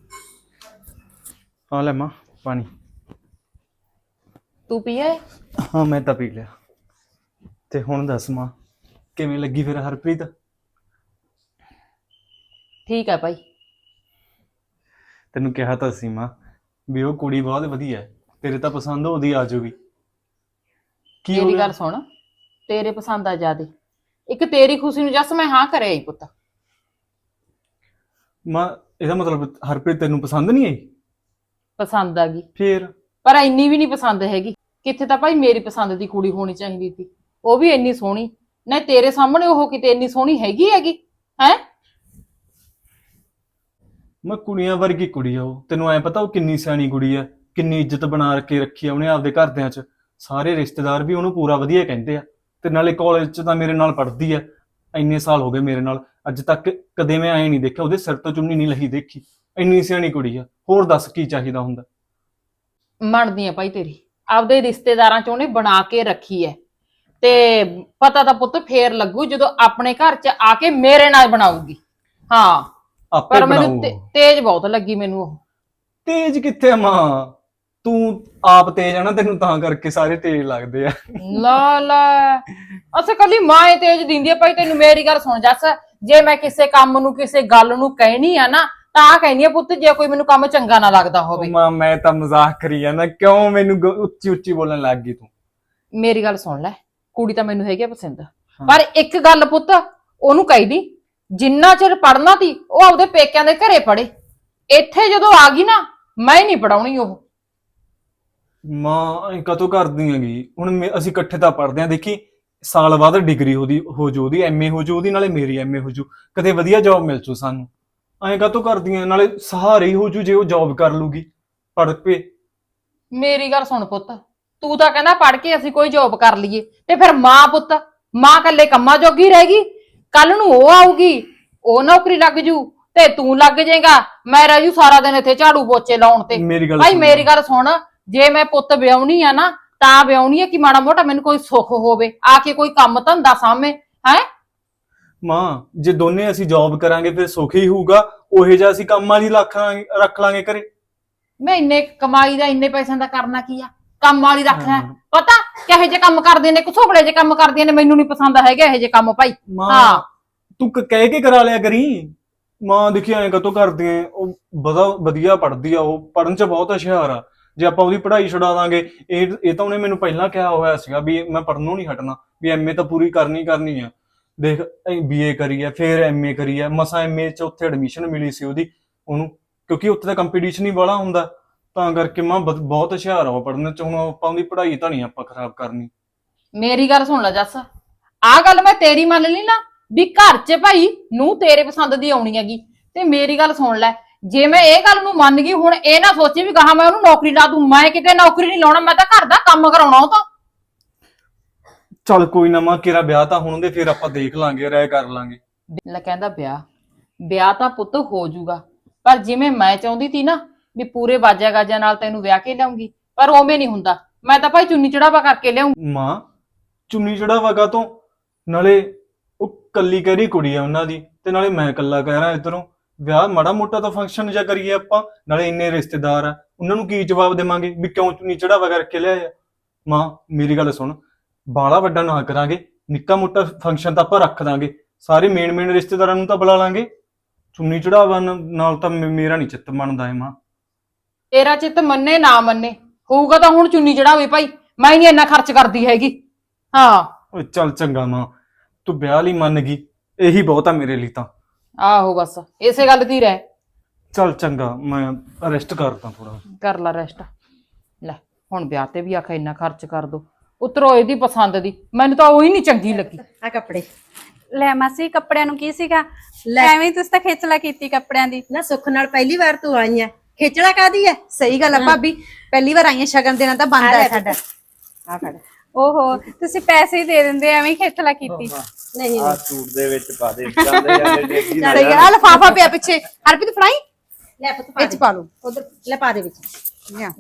C: ਆ ਲੈ ਮਾਂ ਪਾਣੀ।
D: ਤੂੰ ਪੀਏ?
C: ਹਾਂ ਮੈਂ ਤਾਂ ਪੀ ਲਿਆ। ਤੇ ਹੁਣ ਦੱਸ ਮਾਂ, ਕਿਵੇਂ ਲੱਗੀ ਫਿਰ ਹਰਪ੍ਰੀਤ?
D: ਠੀਕ ਹੈ ਭਾਈ।
C: ਤੈਨੂੰ ਕਿਹਾ ਤਾਂ ਸੀ ਮਾਂ ਵੀ ਉਹ ਕੁੜੀ ਬਹੁਤ ਵਧੀਆ ਹੈ, ਤੇਰੇ ਤਾਂ ਪਸੰਦ ਉਹਦੀ ਆ ਜਾਊਗੀ। ਕੀ ਹੋ
D: ਤੇਰੀ
C: ਗਿਆ?
D: ਗੱਲ ਸੁਣ, ਤੇਰੇ ਪਸੰਦ ਆ ਜਿਆਦੇ। ਇੱਕ ਤੇਰੀ ਖੁਸ਼ੀ ਨੂੰ ਜੱਸ ਮੈਂ ਹਾਂ ਕਰਿਆ ਹੀ ਪੁੱਤ।
C: ਮਾਂ ਇਹਦਾ ਮਤਲਬ ਹਰਪ੍ਰੀਤ ਤੈਨੂੰ ਪਸੰਦ ਨਹੀਂ ਆਈ?
D: ਪਸੰਦ ਆ ਗਈ,
C: ਫੇਰ
D: ਪਰ ਇੰਨੀ ਵੀ ਨਹੀਂ ਪਸੰਦ ਹੈਗੀ। ਕਿੱਥੇ ਤਾਂ ਭਾਈ ਮੇਰੀ ਪਸੰਦ ਦੀ ਕੁੜੀ ਹੋਣੀ ਚਾਹੀਦੀ ਸੀ, ਉਹ ਵੀ ਇੰਨੀ ਸੋਹਣੀ। ਨਾ ਤੇਰੇ ਸਾਹਮਣੇ ਉਹ ਕਿਤੇ ਇੰਨੀ ਸੋਹਣੀ ਹੈਗੀ ਹੈ।
C: ਮੈਂ ਕੁੜੀਆਂ ਵਰਗੀ ਕੁੜੀ ਆ ਉਹ, ਤੈਨੂੰ ਐ ਪਤਾ ਉਹ ਕਿੰਨੀ ਸਿਆਣੀ ਕੁੜੀ ਆ, ਕਿੰਨੀ ਇੱਜ਼ਤ ਬਣਾ ਕੇ ਰੱਖੀ ਆ ਉਹਨੇ ਆਪਦੇ ਘਰਦਿਆਂ 'ਚ। ਸਾਰੇ ਰਿਸ਼ਤੇਦਾਰ ਵੀ ਉਹਨੂੰ ਪੂਰਾ ਵਧੀਆ ਕਹਿੰਦੇ ਆ। ਤੇ ਨਾਲੇ ਕਾਲਜ 'ਚ ਤਾਂ ਮੇਰੇ ਨਾਲ ਪੜ੍ਹਦੀ ਆ, ਇੰਨੇ ਸਾਲ ਹੋ ਗਏ ਮੇਰੇ ਨਾਲ, ਅੱਜ ਤੱਕ ਕਦੇ ਮੈਂ ਐ ਨਹੀਂ ਦੇਖਿਆ ਉਹਦੇ ਸਿਰ ਤੋਂ ਚੁੰਨੀ ਨਹੀਂ ਲਹੀ ਦੇਖੀ। ਇੰਨੀ ਸਿਆਣੀ ਕੁੜੀ ਆ, ਹੋਰ ਦੱਸ ਕੀ ਚਾਹੀਦਾ ਹੁੰਦਾ।
D: ਮੰਨਦੀ ਆ ਭਾਈ ਤੇਰੀ, ਆਪਦੇ ਰਿਸ਼ਤੇਦਾਰਾਂ 'ਚ ਉਹਨੇ ਬਣਾ ਕੇ ਰੱਖੀ ਐ। ਤੇ ਪਤਾ ਤਾਂ ਪੁੱਤ ਫੇਰ ਲੱਗੂ ਜਦੋਂ ਆਪਣੇ ਘਰ 'ਚ ਆ ਕੇ ਮੇਰੇ ਨਾਲ ਬਣਾਊਗੀ। ਹਾਂ
C: ਆਪੇ
D: ਪਰ ਮੈਨੂੰ
C: ਬਣਾਊ।
D: ਤੇਜ਼ ਬਹੁਤ ਲੱਗੀ ਮੈਨੂੰ ਉਹ।
C: ਤੇਜ ਕਿੱਥੇ ਆ ਮਾਂ, ਤੂੰ ਆਪ ਤੇਜ ਆ ਨਾ, ਤੈਨੂੰ ਤਾਂ ਕਰਕੇ ਸਾਰੇ ਤੇਜ ਲੱਗਦੇ ਆ।
D: ਲਾ ਲਾ ਅਸੇ ਕੱਲੀ ਮਾਂ ਹੀ ਤੇਜ ਦਿੰਦੀ ਆ ਭਾਈ ਤੈਨੂੰ। ਮੇਰੀ ਗੱਲ ਸੁਣ ਜੱਸ, ਜੇ ਮੈਂ ਕਿਸੇ ਕੰਮ ਨੂੰ ਕਿਸੇ ਗੱਲ ਨੂੰ ਕਹਿਣੀ ਆ ਨਾ ਤਾਂ ਕਹਿੰਦੀ ਆ ਪੁੱਤ, ਜੇ ਕੋਈ ਮੈਨੂੰ ਕੰਮ ਚੰਗਾ ਨਾ ਲੱਗਦਾ ਹੋਵੇ।
C: ਮਾਂ ਮੈਂ ਤਾਂ ਮਜ਼ਾਕ ਕਰੀ ਜਾਂਦਾ, ਕਿਉਂ ਮੈਨੂੰ ਉੱਚੀ ਉੱਚੀ ਬੋਲਣ ਲੱਗ ਗਈ ਤੂੰ?
D: ਮੇਰੀ ਗੱਲ ਸੁਣ ਲੈ, ਕੁੜੀ ਤਾਂ ਮੈਨੂੰ ਹੈਗੀ ਆ ਪਸੰਦ, ਪਰ ਇੱਕ ਗੱਲ ਪੁੱਤ ਉਹਨੂੰ ਕਹਿਦੀ, ਜਿੰਨਾ ਚਿਰ ਪੜਨਾ ਤੀ ਉਹ ਆਪਦੇ ਪੇਕਿਆਂ ਦੇ ਘਰੇ ਪੜੇ। ਇੱਥੇ ਜਦੋਂ ਆ ਗਈ ਨਾ, ਮੈਂ ਨਹੀਂ ਪੜਾਉਣੀ ਉਹ।
C: ਮਾਂ ਐਂ ਕਦੋਂ ਕਰਦੀ ਹੈਗੀ? ਹੁਣ ਅਸੀਂ ਇਕੱਠੇ ਤਾਂ ਪੜਦੇ ਆਂ, ਦੇਖੀ ਸਾਲ ਬਾਅਦ ਡਿਗਰੀ ਹੋ ਜੂ ਉਹਦੀ, ਐਮਏ ਹੋ ਜੂ ਉਹਦੀ, ਨਾਲੇ ਮੇਰੀ ਐਮਏ ਹੋ ਜੂ, ਕਦੇ ਵਧੀਆ ਜੌਬ ਮਿਲ ਜੂ ਸਾਨੂੰ। ਐਂ ਕਦੋਂ ਕਰਦੀਆਂ? ਨਾਲੇ ਸਹਾਰੇ ਹੀ ਹੋ ਜੂ ਜੇ ਉਹ ਜੌਬ ਕਰ ਲੂਗੀ ਪੜ ਪੇ।
D: ਮੇਰੀ ਗੱਲ ਸੁਣ ਪੁੱਤ, ਤੂੰ ਤਾਂ ਕਹਿੰਦਾ ਪੜ ਕੇ ਅਸੀਂ ਕੋਈ ਜੌਬ ਕਰ ਲਈਏ, ਤੇ ਫਿਰ ਮਾਂ ਪੁੱਤ, ਮਾਂ ਕੱਲੇ ਕੰਮਾਂ ਜੋਗੀ ਰਹੇਗੀ। ਕੱਲ ਨੂੰ ਉਹ ਆਊਗੀ, ਉਹ ਨੌਕਰੀ ਲੱਗ ਜੂ ਤੇ ਤੂੰ ਲੱਗ ਜਾਏਗਾ, ਮੈਂ ਰਹਿ ਜੂ ਸਾਰਾ ਦਿਨ ਇੱਥੇ ਝਾੜੂ ਪੋਚੇ ਲਾਉਣ ਤੇ।
C: ਮੇਰੀ ਗੱਲ
D: ਭਾਈ
C: ਸੁਣ।
D: ਮੇਰੀ ਗੱਲ ਸੁਣ, ਜੇ ਮੈਂ ਪੁੱਤ ਵਿਆਹੁਣੀ ਆ ਨਾ ਤਾਂ ਵਿਆਹੁਣੀ ਆ ਕਿ ਮਾੜਾ ਮੋਟਾ ਮੈਨੂੰ ਕੋਈ ਸੁੱਖ ਹੋਵੇ, ਆ ਕੇ ਕੋਈ ਕੰਮ ਧੰਦਾ ਸਾਹਮਣੇ ਹੈ।
C: ਮਾਂ ਜੇ ਦੋਨੇ ਅਸੀਂ ਜੌਬ ਕਰਾਂਗੇ ਫਿਰ ਸੁੱਖ ਹੀ ਹੋਊਗਾ, ਉਹੇ ਜਿਹਾ ਅਸੀਂ ਕੰਮ ਵਾਲੀ ਰੱਖ ਲਾਂਗੇ ਘਰੇ।
D: ਮੈਂ ਇੰਨੇ ਕਮਾਈ ਦਾ ਇੰਨੇ ਪੈਸਿਆਂ ਦਾ ਕਰਨਾ ਕੀ ਆ? ਕੰਮ ਵਾਲੀ ਰੱਖ ਲੈ। ਪਤਾ ਕਿਹੋ ਜਿਹੇ ਕੰਮ ਕਰਦੇ ਨੇ, ਘਸੋਬੜੇ ਜਿਹੇ ਕੰਮ ਕਰਦੀਆਂ ਨੇ, ਮੈਨੂੰ ਨਹੀਂ ਪਸੰਦ ਹੈਗੇ ਇਹੋ ਜਿਹੇ ਕੰਮ ਭਾਈ।
C: ਮਾਂ ਤੂੰ ਕਹਿ ਕੇ ਕਰਾ ਲਿਆ ਕਰੀ। ਮਾਂ ਦੇਖੀ ਐਂ ਕਦੋਂ ਕਰਦੀ ਐ? ਉਹ ਵਧੀਆ ਪੜ੍ਹਦੀ ਆ, ਉਹ ਪੜ੍ਹਨ 'ਚ ਬਹੁਤ ਹੁਸ਼ਿਆਰ ਆ। ਜੇ ਆਪਾਂ ਉਹਦੀ ਪੜ੍ਹਾਈ ਛੁਡਾ ਦਾਂਗੇ, ਇਹ ਤਾਂ ਉਹਨੇ ਮੈਨੂੰ ਪਹਿਲਾਂ ਕਿਹਾ ਹੋਇਆ ਸੀਗਾ ਵੀ ਮੈਂ ਪੜ੍ਹਨੋਂ ਨਹੀਂ ਹਟਣਾ, ਵੀ ਐਮਏ ਤਾਂ ਪੂਰੀ ਕਰਨੀ ਆ। ਦੇਖ ਬੀਏ ਕਰੀ ਆ, ਫਿਰ ਐਮਏ ਕਰੀ ਆ, ਮਸਾਂ ਐਮਏ 'ਚ ਉੱਥੇ ਐਡਮਿਸ਼ਨ ਮਿਲੀ ਸੀ ਉਹਨੂੰ, ਕਿਉਂਕਿ ਉੱਥੇ ਦਾ ਕੰਪੀਟੀਸ਼ਨ ਹੀ ਬੜਾ ਹੁੰਦਾ, ਤਾਂ ਕਰਕੇ ਮਾਂ ਬਹੁਤ ਹੁਸ਼ਿਆਰ ਆ ਉਹ ਪੜ੍ਹਨ 'ਚ। ਹੁਣ ਆਪਾਂ ਉਹਦੀ ਪੜ੍ਹਾਈ ਤਾਂ ਨਹੀਂ ਆਪਾਂ ਖਰਾਬ ਕਰਨੀ।
D: ਮੇਰੀ ਗੱਲ ਸੁਣ ਲੈ ਜੱਸ, ਆਹ ਗੱਲ ਮੈਂ ਤੇਰੀ ਮੰਨ ਲਈ ਨਾ ਵੀ ਘਰ 'ਚ ਭਾਈ ਨੂੰ ਤੇਰੇ ਪਸੰਦ ਦੀ ਆਉਣੀ ਹੈਗੀ, ਤੇ ਮੇਰੀ ਗੱਲ ਸੁਣ ਲੈ, ਜੇ ਮੈਂ ਇਹ ਗੱਲ ਨੂੰ ਮੰਨ ਗਈ, ਹੁਣ ਇਹ ਨਾ ਸੋਚੀ ਵੀ ਕਹਾ ਮੈਂ ਉਹਨੂੰ ਨੌਕਰੀ ਲਾ ਦੂੰ। ਮੈਂ ਕਿਤੇ ਨੌਕਰੀ ਨਹੀਂ ਲਾਉਣਾ, ਮੈਂ ਤਾਂ ਘਰ ਦਾ ਕੰਮ ਕਰਾਉਣਾ ਉਹ ਤਾਂ।
C: ਚੱਲ ਕੋਈ ਨਾ ਮਾਂ, ਕਿਹੜਾ ਵਿਆਹ ਤਾਂ ਹੁਣ ਦੇ, ਫਿਰ ਆਪਾਂ ਦੇਖ ਲਾਂਗੇ, ਰਾਏ ਕਰ ਲਾਂਗੇ।
D: ਲੈ ਕਹਿੰਦਾ ਵਿਆਹ ਤਾਂ ਪੁੱਤ ਹੋ ਜਾਊਗਾ, ਪਰ ਜਿਵੇਂ ਮੈਂ ਚਾਹੁੰਦੀ ਸੀ ਨਾ ਵੀ ਪੂਰੇ ਬਾਜਾ ਗਾਜਾ ਨਾਲ ਤੈਨੂੰ ਵਿਆਹ ਕੇ ਲਿਆਉਂਗੀ, ਪਰ ਉਵੇਂ ਨਹੀਂ ਹੁੰਦਾ। ਮੈਂ ਤਾਂ ਭਾਈ ਚੁੰਨੀ ਚੜਾਵਾ ਕਰਕੇ ਲਿਆਉਂਗੀ।
C: ਮਾਂ ਚੁੰਨੀ ਚੜਾਵਾ ਕਾ ਤੋਂ? ਨਾਲੇ ਉਹ ਕੱਲੀ ਕਹਿਰੀ ਕੁੜੀ ਆ ਉਹਨਾਂ ਦੀ, ਤੇ ਨਾਲੇ ਮੈਂ ਕੱਲਾ ਕਹਿ ਰਿਹਾ ਇੱਧਰੋਂ। ਵਿਆਹ ਮਾੜਾ ਮੋਟਾ ਤਾਂ ਫੰਕਸ਼ਨ ਜਿਹਾ ਕਰੀਏ ਆਪਾਂ, ਨਾਲੇ ਇੰਨੇ ਰਿਸ਼ਤੇਦਾਰ ਆ, ਉਹਨਾਂ ਨੂੰ ਕੀ ਜਵਾਬ ਦੇਵਾਂਗੇ ਵੀ ਕਿਉਂ ਚੁੰਨੀ ਚੜਾਵਾ ਕਰਕੇ ਲਿਆਇਆ? ਮਾਂ ਮੇਰੀ ਗੱਲ ਸੁਣ, ਬਾਲਾ ਵੱਡਾ ਨਾ ਕਰਾਂਗੇ, ਨਿੱਕਾ ਮੋਟਾ ਫੰਕਸ਼ਨ ਤਾਂ ਆਪਾਂ ਰੱਖ ਦਾਂਗੇ, ਸਾਰੇ ਮੇਨ ਰਿਸ਼ਤੇਦਾਰਾਂ ਨੂੰ ਤਾਂ ਬੁਲਾ ਲਾਂਗੇ। ਚੁੰਨੀ ਚੜਾਵਾ ਨਾਲ ਤਾਂ ਮੇਰਾ ਨਹੀਂ ਚਿੱਤ ਮੰਨਦਾ ਏ ਮਾਂ।
D: ਤੇਰਾ ਚਿੱਤ ਮੰਨੇ ਨਾ ਮੰਨੇ, ਹੋਊਗਾ ਤਾਂ ਹੁਣ ਚੁੰਨੀ ਚੜਾਵੇ ਭਾਈ, ਮੈਂ ਨਹੀਂ ਇੰਨਾ ਖਰਚ ਕਰਦੀ ਹੈਗੀ। ਹਾਂ
C: ਓਏ ਚੱਲ ਚੰਗਾ ਮਾਂ, ਤੂੰ ਵਿਆਹ ਲਈ ਮੰਨ ਗਈ, ਇਹੀ ਬਹੁਤ ਆ ਮੇਰੇ ਲਈ ਤਾਂ।
D: ਆਹੋ ਬਸ ਇਸੇ ਗੱਲ ਦੀ ਰਹਿ।
C: ਚੱਲ ਚੰਗਾ, ਮੈਂ ਰੈਸਟ ਕਰਦਾ ਥੋੜਾ।
D: ਕਰ ਲਾ ਰੈਸਟ। ਲੈ ਹੁਣ ਵਿਆਹ ਤੇ ਵੀ ਆਖਿਆ ਇੰਨਾ ਖਰਚ ਕਰ ਦੋ, ਉਤਰੋ ਇਹਦੀ ਪਸੰਦ ਦੀ, ਮੈਨੂੰ ਤਾਂ ਉਹੀ ਨਹੀਂ ਚੰਗੀ ਲੱਗੀ।
E: ਆ ਕੱਪੜੇ
G: ਲੈ ਮਾਸੀ ਕੱਪੜਿਆਂ ਨੂੰ ਕੀ ਸੀਗਾ, ਐਵੇਂ ਹੀ ਤੁਸੀਂ ਤਾਂ ਖੇਚਲਾ ਕੀਤੀ ਕੱਪੜਿਆਂ ਦੀ।
E: ਨਾ ਸੁੱਖ ਨਾਲ ਪਹਿਲੀ ਵਾਰ ਤੂੰ ਆਈ ਆ, ਖੇਚੜਾ ਕਾਦੀ ਆ?
A: ਸਹੀ ਗੱਲ ਆ ਭਾਬੀ, ਪਹਿਲੀ ਵਾਰ ਆਈਆਂ ਸ਼ਗਨ ਦੇਣਾ ਤਾਂ ਬਣਦਾ ਹੈ ਸਾਡਾ।
E: ਆ ਫੜ।
G: ਓਹੋ ਤੁਸੀਂ ਪੈਸੇ ਹੀ ਦੇ ਦਿੰਦੇ, ਐਵੇਂ ਹੀ ਖੇਚਲਾ ਕੀਤੀ।
E: ਨਹੀਂ
F: ਆ ਸੂਟ ਦੇ ਵਿੱਚ ਪਾ ਦੇ, ਜਾਂਦੇ ਜਾਂਦੇ ਡੇਗੀ ਨਾ
A: ਸਹੀ ਗੱਲ ਆ, ਲਿਫਾਫਾ ਪਿਆ ਪਿੱਛੇ, ਹਰਪ੍ਰੀਤ ਫੜਾਈ
E: ਲੈ ਪੁੱਤ ਪਾ
A: ਇਹ ਚ ਪਾ ਲਓ।
E: ਉਧਰ ਲੈ ਪਾ ਦੇ ਵਿੱਚ।
A: ਲਿਆ।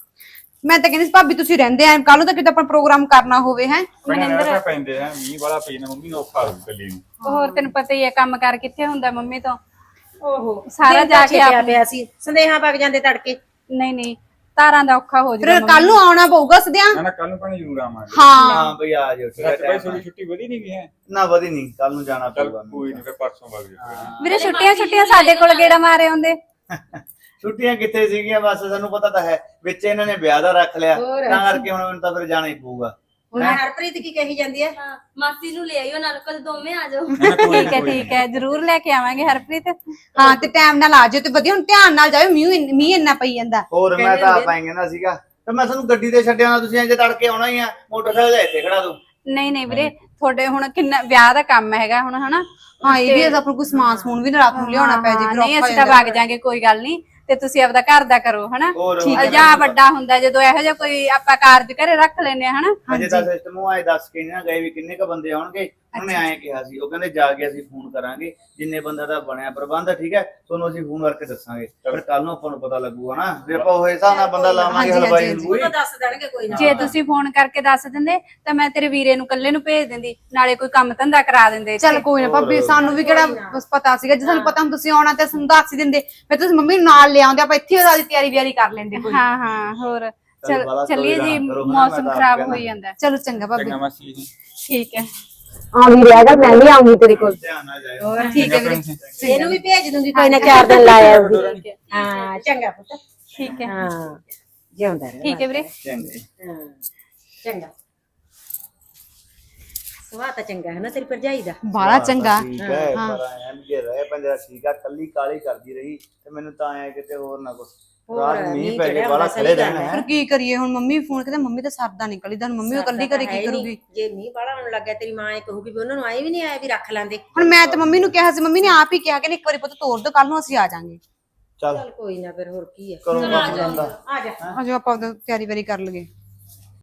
A: ਮੈਂ ਤਾਂ ਕਹਿੰਦੀ ਸੀ ਭਾਬੀ ਤੁਸੀਂ ਰਹਿੰਦੇ ਆ, ਕੱਲ ਨੂੰ ਤਾਂ ਕਿਤੇ ਆਪਾਂ ਪ੍ਰੋਗਰਾਮ ਕਰਨਾ ਹੋਵੇ ਹੈ।
H: ਮਨਿੰਦਰ ਪੈਂਦੇ ਆ, ਮੀਂਹ ਵਾਲਾ ਪਈ ਨਾ ਮੰਮੀ ਨੂੰ ਔਖਾ ਹੋ ਕੱਲੀ ਨੂੰ।
G: ਹੋਰ ਤੈਨੂੰ ਪਤਾ ਹੀ ਹੈ ਕੰਮ ਕਾਰ ਕਿੱਥੇ ਹੁੰਦਾ ਮੰਮੀ ਤੋਂ,
E: ਓਹੋ
G: ਸਾਰਾ ਜਾ ਕੇ
E: ਛਿਪਿਆ ਪਿਆ ਸੀ, ਸੰਦੇਹਾਂ ਵਗ ਜਾਂਦੇ ਤੜਕੇ।
G: ਨਹੀਂ ਤਾਰਾਂ ਦਾ ਔਖਾ ਹੋ
A: ਫਿਰ
G: ਜਾਊਗਾ।
A: ਕੱਲ ਨੂੰ ਆਉਣਾ ਪਊਗਾ ਸਦਿਆਂ।
H: ਨਾ ਕੱਲ ਨੂੰ ਪਾਣੀ ਜ਼ਰੂਰ ਆਵਾਂਗੇ।
A: ਹਾਂ
F: ਹਾਂ ਬਈ ਆ ਜਾਓ, ਠੀਕ
H: ਸੱਚ
F: ਹੈ।
H: ਭਾਈ ਤੁਹਾਡੀ ਛੁੱਟੀ ਵਧੀ ਨਹੀਂ ਗਈ ਹੈ?
F: ਨਾ ਵਧੀ ਨਹੀਂ, ਕੱਲ ਨੂੰ ਜਾਣਾ
H: ਚੱਲ
F: ਪਊਗਾ।
H: ਕੋਈ ਨਹੀਂ, ਫਿਰ ਪਰਸੋਂ ਵਗ ਜਾ।
G: ਵੀਰੇ ਛੁੱਟੀਆਂ ਸਾਡੇ ਕੋਲ ਗੇੜਾ ਮਾਰੇ ਹੁੰਦੇ।
F: ਛੁੱਟੀਆਂ ਕਿੱਥੇ ਸੀਗੀਆਂ, ਬਸ ਸਾਨੂੰ ਪਤਾ ਤਾਂ ਹੈ ਵਿੱਚ ਇਹਨਾਂ ਨੇ ਵਿਆਹ ਦਾ ਰੱਖ ਲਿਆ,
E: ਹੋਰ।
F: ਤਾਂ ਕਰਕੇ ਹੁਣ ਮੈਨੂੰ ਤਾਂ ਫਿਰ ਜਾਣਾ ਹੀ ਪਊਗਾ।
E: ਹੁਣ ਹਰਪ੍ਰੀਤ ਕੀ ਕਹੀ ਜਾਂਦੀ ਹੈ?
B: ਹਾਂ ਮਾਸੀ ਨੂੰ ਲੈ ਆਇਓ ਨਾਲ, ਕਦੇ ਦੋਵੇਂ ਆ ਜਾਓ।
G: ਠੀਕ ਹੈ ਜ਼ਰੂਰ ਲੈ ਕੇ ਆਵਾਂਗੇ ਹਰਪ੍ਰੀਤ।
A: ਹਾਂ ਤੇ ਟਾਈਮ ਨਾਲ ਆ ਜਾਓ ਤੇ ਵਧੀਆ, ਹੁਣ ਧਿਆਨ ਨਾਲ ਜਾਓ, ਮੀਂਹ ਇੰਨਾ ਪਈ ਜਾਂਦਾ।
F: ਹੋਰ ਮੈਂ ਤਾਂ ਆਪ ਆਏਂਗੇ ਨਾ ਸੀਗਾ, ਤੇ ਮੈਂ ਤੁਹਾਨੂੰ ਗੱਡੀ ਤੇ ਛੱਡਿਆ ਨਾ, ਤੁਸੀਂ ਇੰਜ ਤੜਕੇ ਆਉਣਾ ਹੀ ਆ, ਮੋਟਰਸਾਈਕਲ ਲੈ ਇੱਥੇ ਖੜਾ ਦੋ।
G: ਨਹੀਂ ਵੀਰੇ ਤੁਹਾਡੇ ਹੁਣ ਕਿੰਨਾ ਵਿਆਹ ਦਾ ਕੰਮ ਹੈਗਾ ਹੁਣ ਹਨਾ।
A: ਹਾਂ ਇਹ ਵੀ ਆਪਾਂ ਨੂੰ ਕੋਈ ਸਮਾਨ ਸਮੂਨ ਵੀ ਨਾ ਰਾਤ ਨੂੰ ਲਿਆਉਣਾ ਪੈ ਜੇ, ਫਿਰ
G: ਨਹੀਂ
A: ਔਖਾ
G: ਅਸੀਂ
A: ਹੋ
G: ਤਾਂ
A: ਜਾਂਦਾ।
G: ਵਗ ਜਾਾਂਗੇ, ਕੋਈ ਗੱਲ ਨਹੀਂ। ਤੇ ਤੁਸੀਂ ਆਪਦਾ ਘਰ ਦਾ ਕਰੋ ਹਨਾ।
F: ਹੋਰ
G: ਜਾਂ ਵੱਡਾ ਹੁੰਦਾ ਜਦੋਂ ਇਹੋ ਜਿਹਾ ਕੋਈ ਆਪਾਂ ਕਾਰਜ ਘਰੇ ਰੱਖ ਲੈਨੇ ਆ ਹਨਾ।
F: ਅਜੇ ਤਾਂ ਸਿਸਟਮ ਉਹ ਆਏ ਦੱਸ ਕੇ ਨਾ ਗਏ ਵੀ ਕਿੰਨੇ ਕ ਬੰਦੇ ਆਉਣਗੇ। ਉਹਨੇ ਐਂ ਕਿਹਾ ਸੀ, ਉਹ ਕਹਿੰਦੇ ਜਾ ਕੇ ਅਸੀਂ ਫੋਨ ਕਰਾਂਗੇ, ਜਿੰਨੇ ਬੰਦਾ ਦਾ ਬਣਿਆ ਪ੍ਰਬੰਧ ਠੀਕ ਹੈ, ਤੁਹਾਨੂੰ ਅਸੀਂ ਫੋਨ ਕਰਕੇ ਦੱਸਾਂਗੇ। ਫਿਰ ਕੱਲ ਨੂੰ ਆਪਾਂ ਨੂੰ ਪਤਾ ਲੱਗੂਗਾ ਨਾ, ਵੀ ਆਪਾਂ ਉਹ ਹਿਸਾਬ ਨਾਲ ਬੰਦਾ ਲਾਵਾਂਗੇ। ਹਲਵਾਈ
E: ਉਹ ਤਾਂ ਦੱਸ ਦੇਣਗੇ ਕੋਈ ਨਾ।
G: ਜੇ ਤੁਸੀਂ ਫੋਨ ਕਰਕੇ ਦੱਸ ਦਿੰਦੇ ਤਾਂ ਮੈਂ ਤੇਰੇ ਵੀਰੇ ਨੂੰ ਇਕੱਲੇ ਨੂੰ ਭੇਜ ਦਿੰਦੀ, ਨਾਲੇ ਕੋਈ ਕੰਮ ਧੰਦਾ ਕਰਾ ਦਿੰਦੇ।
A: ਚੱਲ ਕੋਈ ਨਾ ਭਾਬੀ, ਸਾਨੂੰ ਵੀ ਕਿਹੜਾ ਬਸ ਪਤਾ ਸੀਗਾ, ਜੇ ਸਾਨੂੰ ਪਤਾ ਹੁਣ ਤੁਸੀਂ ਆਉਣਾ ਤੇ ਸਾਨੂੰ ਦੱਸ ਹੀ ਦਿੰਦੇ, ਫਿਰ ਤੁਸੀਂ ਮੰਮੀ ਨੂੰ ਨਾਲ ਲੈ ਆਉਂਦੇ, ਆਪਾਂ ਇੱਥੇ ਉਹਦੀ ਤਿਆਰੀ ਵਿਆਰੀ ਕਰ ਲੈਂਦੇ ਕੋਈ।
G: ਹਾਂ ਹੋਰ ਚੱਲੀਏ ਜੀ,
F: ਕਰੋ ਹਨਾ,
G: ਮੌਸਮ
F: ਮੈਂ ਤਾਂ
G: ਖਰਾਬ
F: ਆਪ
G: ਹੋਈ ਜਾਂਦਾ।
A: ਚਲੋ ਚੰਗਾ ਭਾਬੀ।
H: ਚੰਗਾ ਮਾਸੀ ਜੀ।
G: ਠੀਕ ਹੈ
A: ਆ ਵੀ ਰਹਿ ਗਿਆ, ਮੈਂ ਵੀ ਆਉਂਗੀ ਤੇਰੇ ਕੋਲ।
F: ਧਿਆਨ ਨਾਲ ਜਾਇਓ।
E: ਹੋਰ
A: ਠੀਕ ਹੈ ਵੀਰੇ।
E: ਇਹਨੂੰ ਵੀ ਭੇਜ ਦੂੰਗੀ ਕੋਈ ਨਾ, 4 ਦਿਨ ਲਾਇਆ ਆਊਗੀ। ਹਾਂ ਚੰਗਾ ਪੁੱਤ।
G: ਠੀਕ ਹੈ
E: ਹਾਂ ਜਿਉਂਦਾ ਰਹਿ।
G: ਠੀਕ ਹੈ ਵੀਰੇ।
F: ਚੰਗੇ।
E: ਹਾਂ ਚੰਗਾ। ਸੁਭਾਅ ਤਾਂ ਚੰਗਾ ਹੈ ਨਾ ਤੇਰੀ ਭਰਜਾਈ ਦਾ।
A: ਬਾਹਲਾ ਚੰਗਾ।
F: ਠੀਕ ਹੈ, ਪਰ ਐਂ ਵੀ ਜੇ ਰਹੇ ਪੰਜਰਾ ਠੀਕ ਆ, ਕੱਲੀ ਕਾਲੀ ਕਰਦੀ ਰਹੀ ਤੇ ਮੈਨੂੰ ਤਾਂ ਐ ਕਿਤੇ ਹੋਰ ਨਾ ਕੁਛ ਰਾਤ ਮੀਂਹ ਪੈ ਗਿਆ, ਬਾਹਲਾ ਖੜੇ ਰਹਿਣਾ
A: ਫਿਰ
F: ਹੈ।
A: ਕੀ ਕਰੀਏ ਹੁਣ, ਮੰਮੀ ਫੋਨ ਕਹਿੰਦੇ ਮੰਮੀ ਤਾਂ ਸਰਦਾ ਨਿਕਲੀ, ਤਾਂ ਮੰਮੀ ਉਹ ਇਕੱਲੀ ਘਰੇ ਕੀ ਕਰੂਗੀ।
E: ਜੇ ਮੀਂਹ ਬਾਹਲਾ ਆਉਣ ਲੱਗਾ ਤੇਰੀ ਮਾਂ ਇਹ ਕਹੂਗੀ ਵੀ ਉਹਨਾਂ ਨੂੰ ਆਏ ਵੀ ਨਹੀਂ ਆਇਆ ਵੀ ਰੱਖ ਲਾਂਦੇ।
A: ਹੁਣ ਮੈਂ ਤਾਂ ਮੰਮੀ ਨੂੰ ਕਿਹਾ ਸੀ, ਮੰਮੀ ਨੇ ਆਪ ਹੀ ਕਿਹਾ ਕਿ ਇੱਕ ਵਾਰੀ ਪੁੱਤ ਤੋੜ ਦੋ, ਕੱਲ ਨੂੰ ਅਸੀਂ ਆ ਜਾਾਂਗੇ।
F: ਚੱਲ
E: ਚੱਲ ਕੋਈ ਨਾ, ਫਿਰ ਹੋਰ ਕੀ ਹੈ।
F: ਕਰੋ ਕੰਮ ਧੰਦਾ।
E: ਆ ਜਾ।
A: ਅਜੋ ਆਪਾਂ ਤਿਆਰੀ ਵਾਰੀ ਕਰ ਲਈਏ।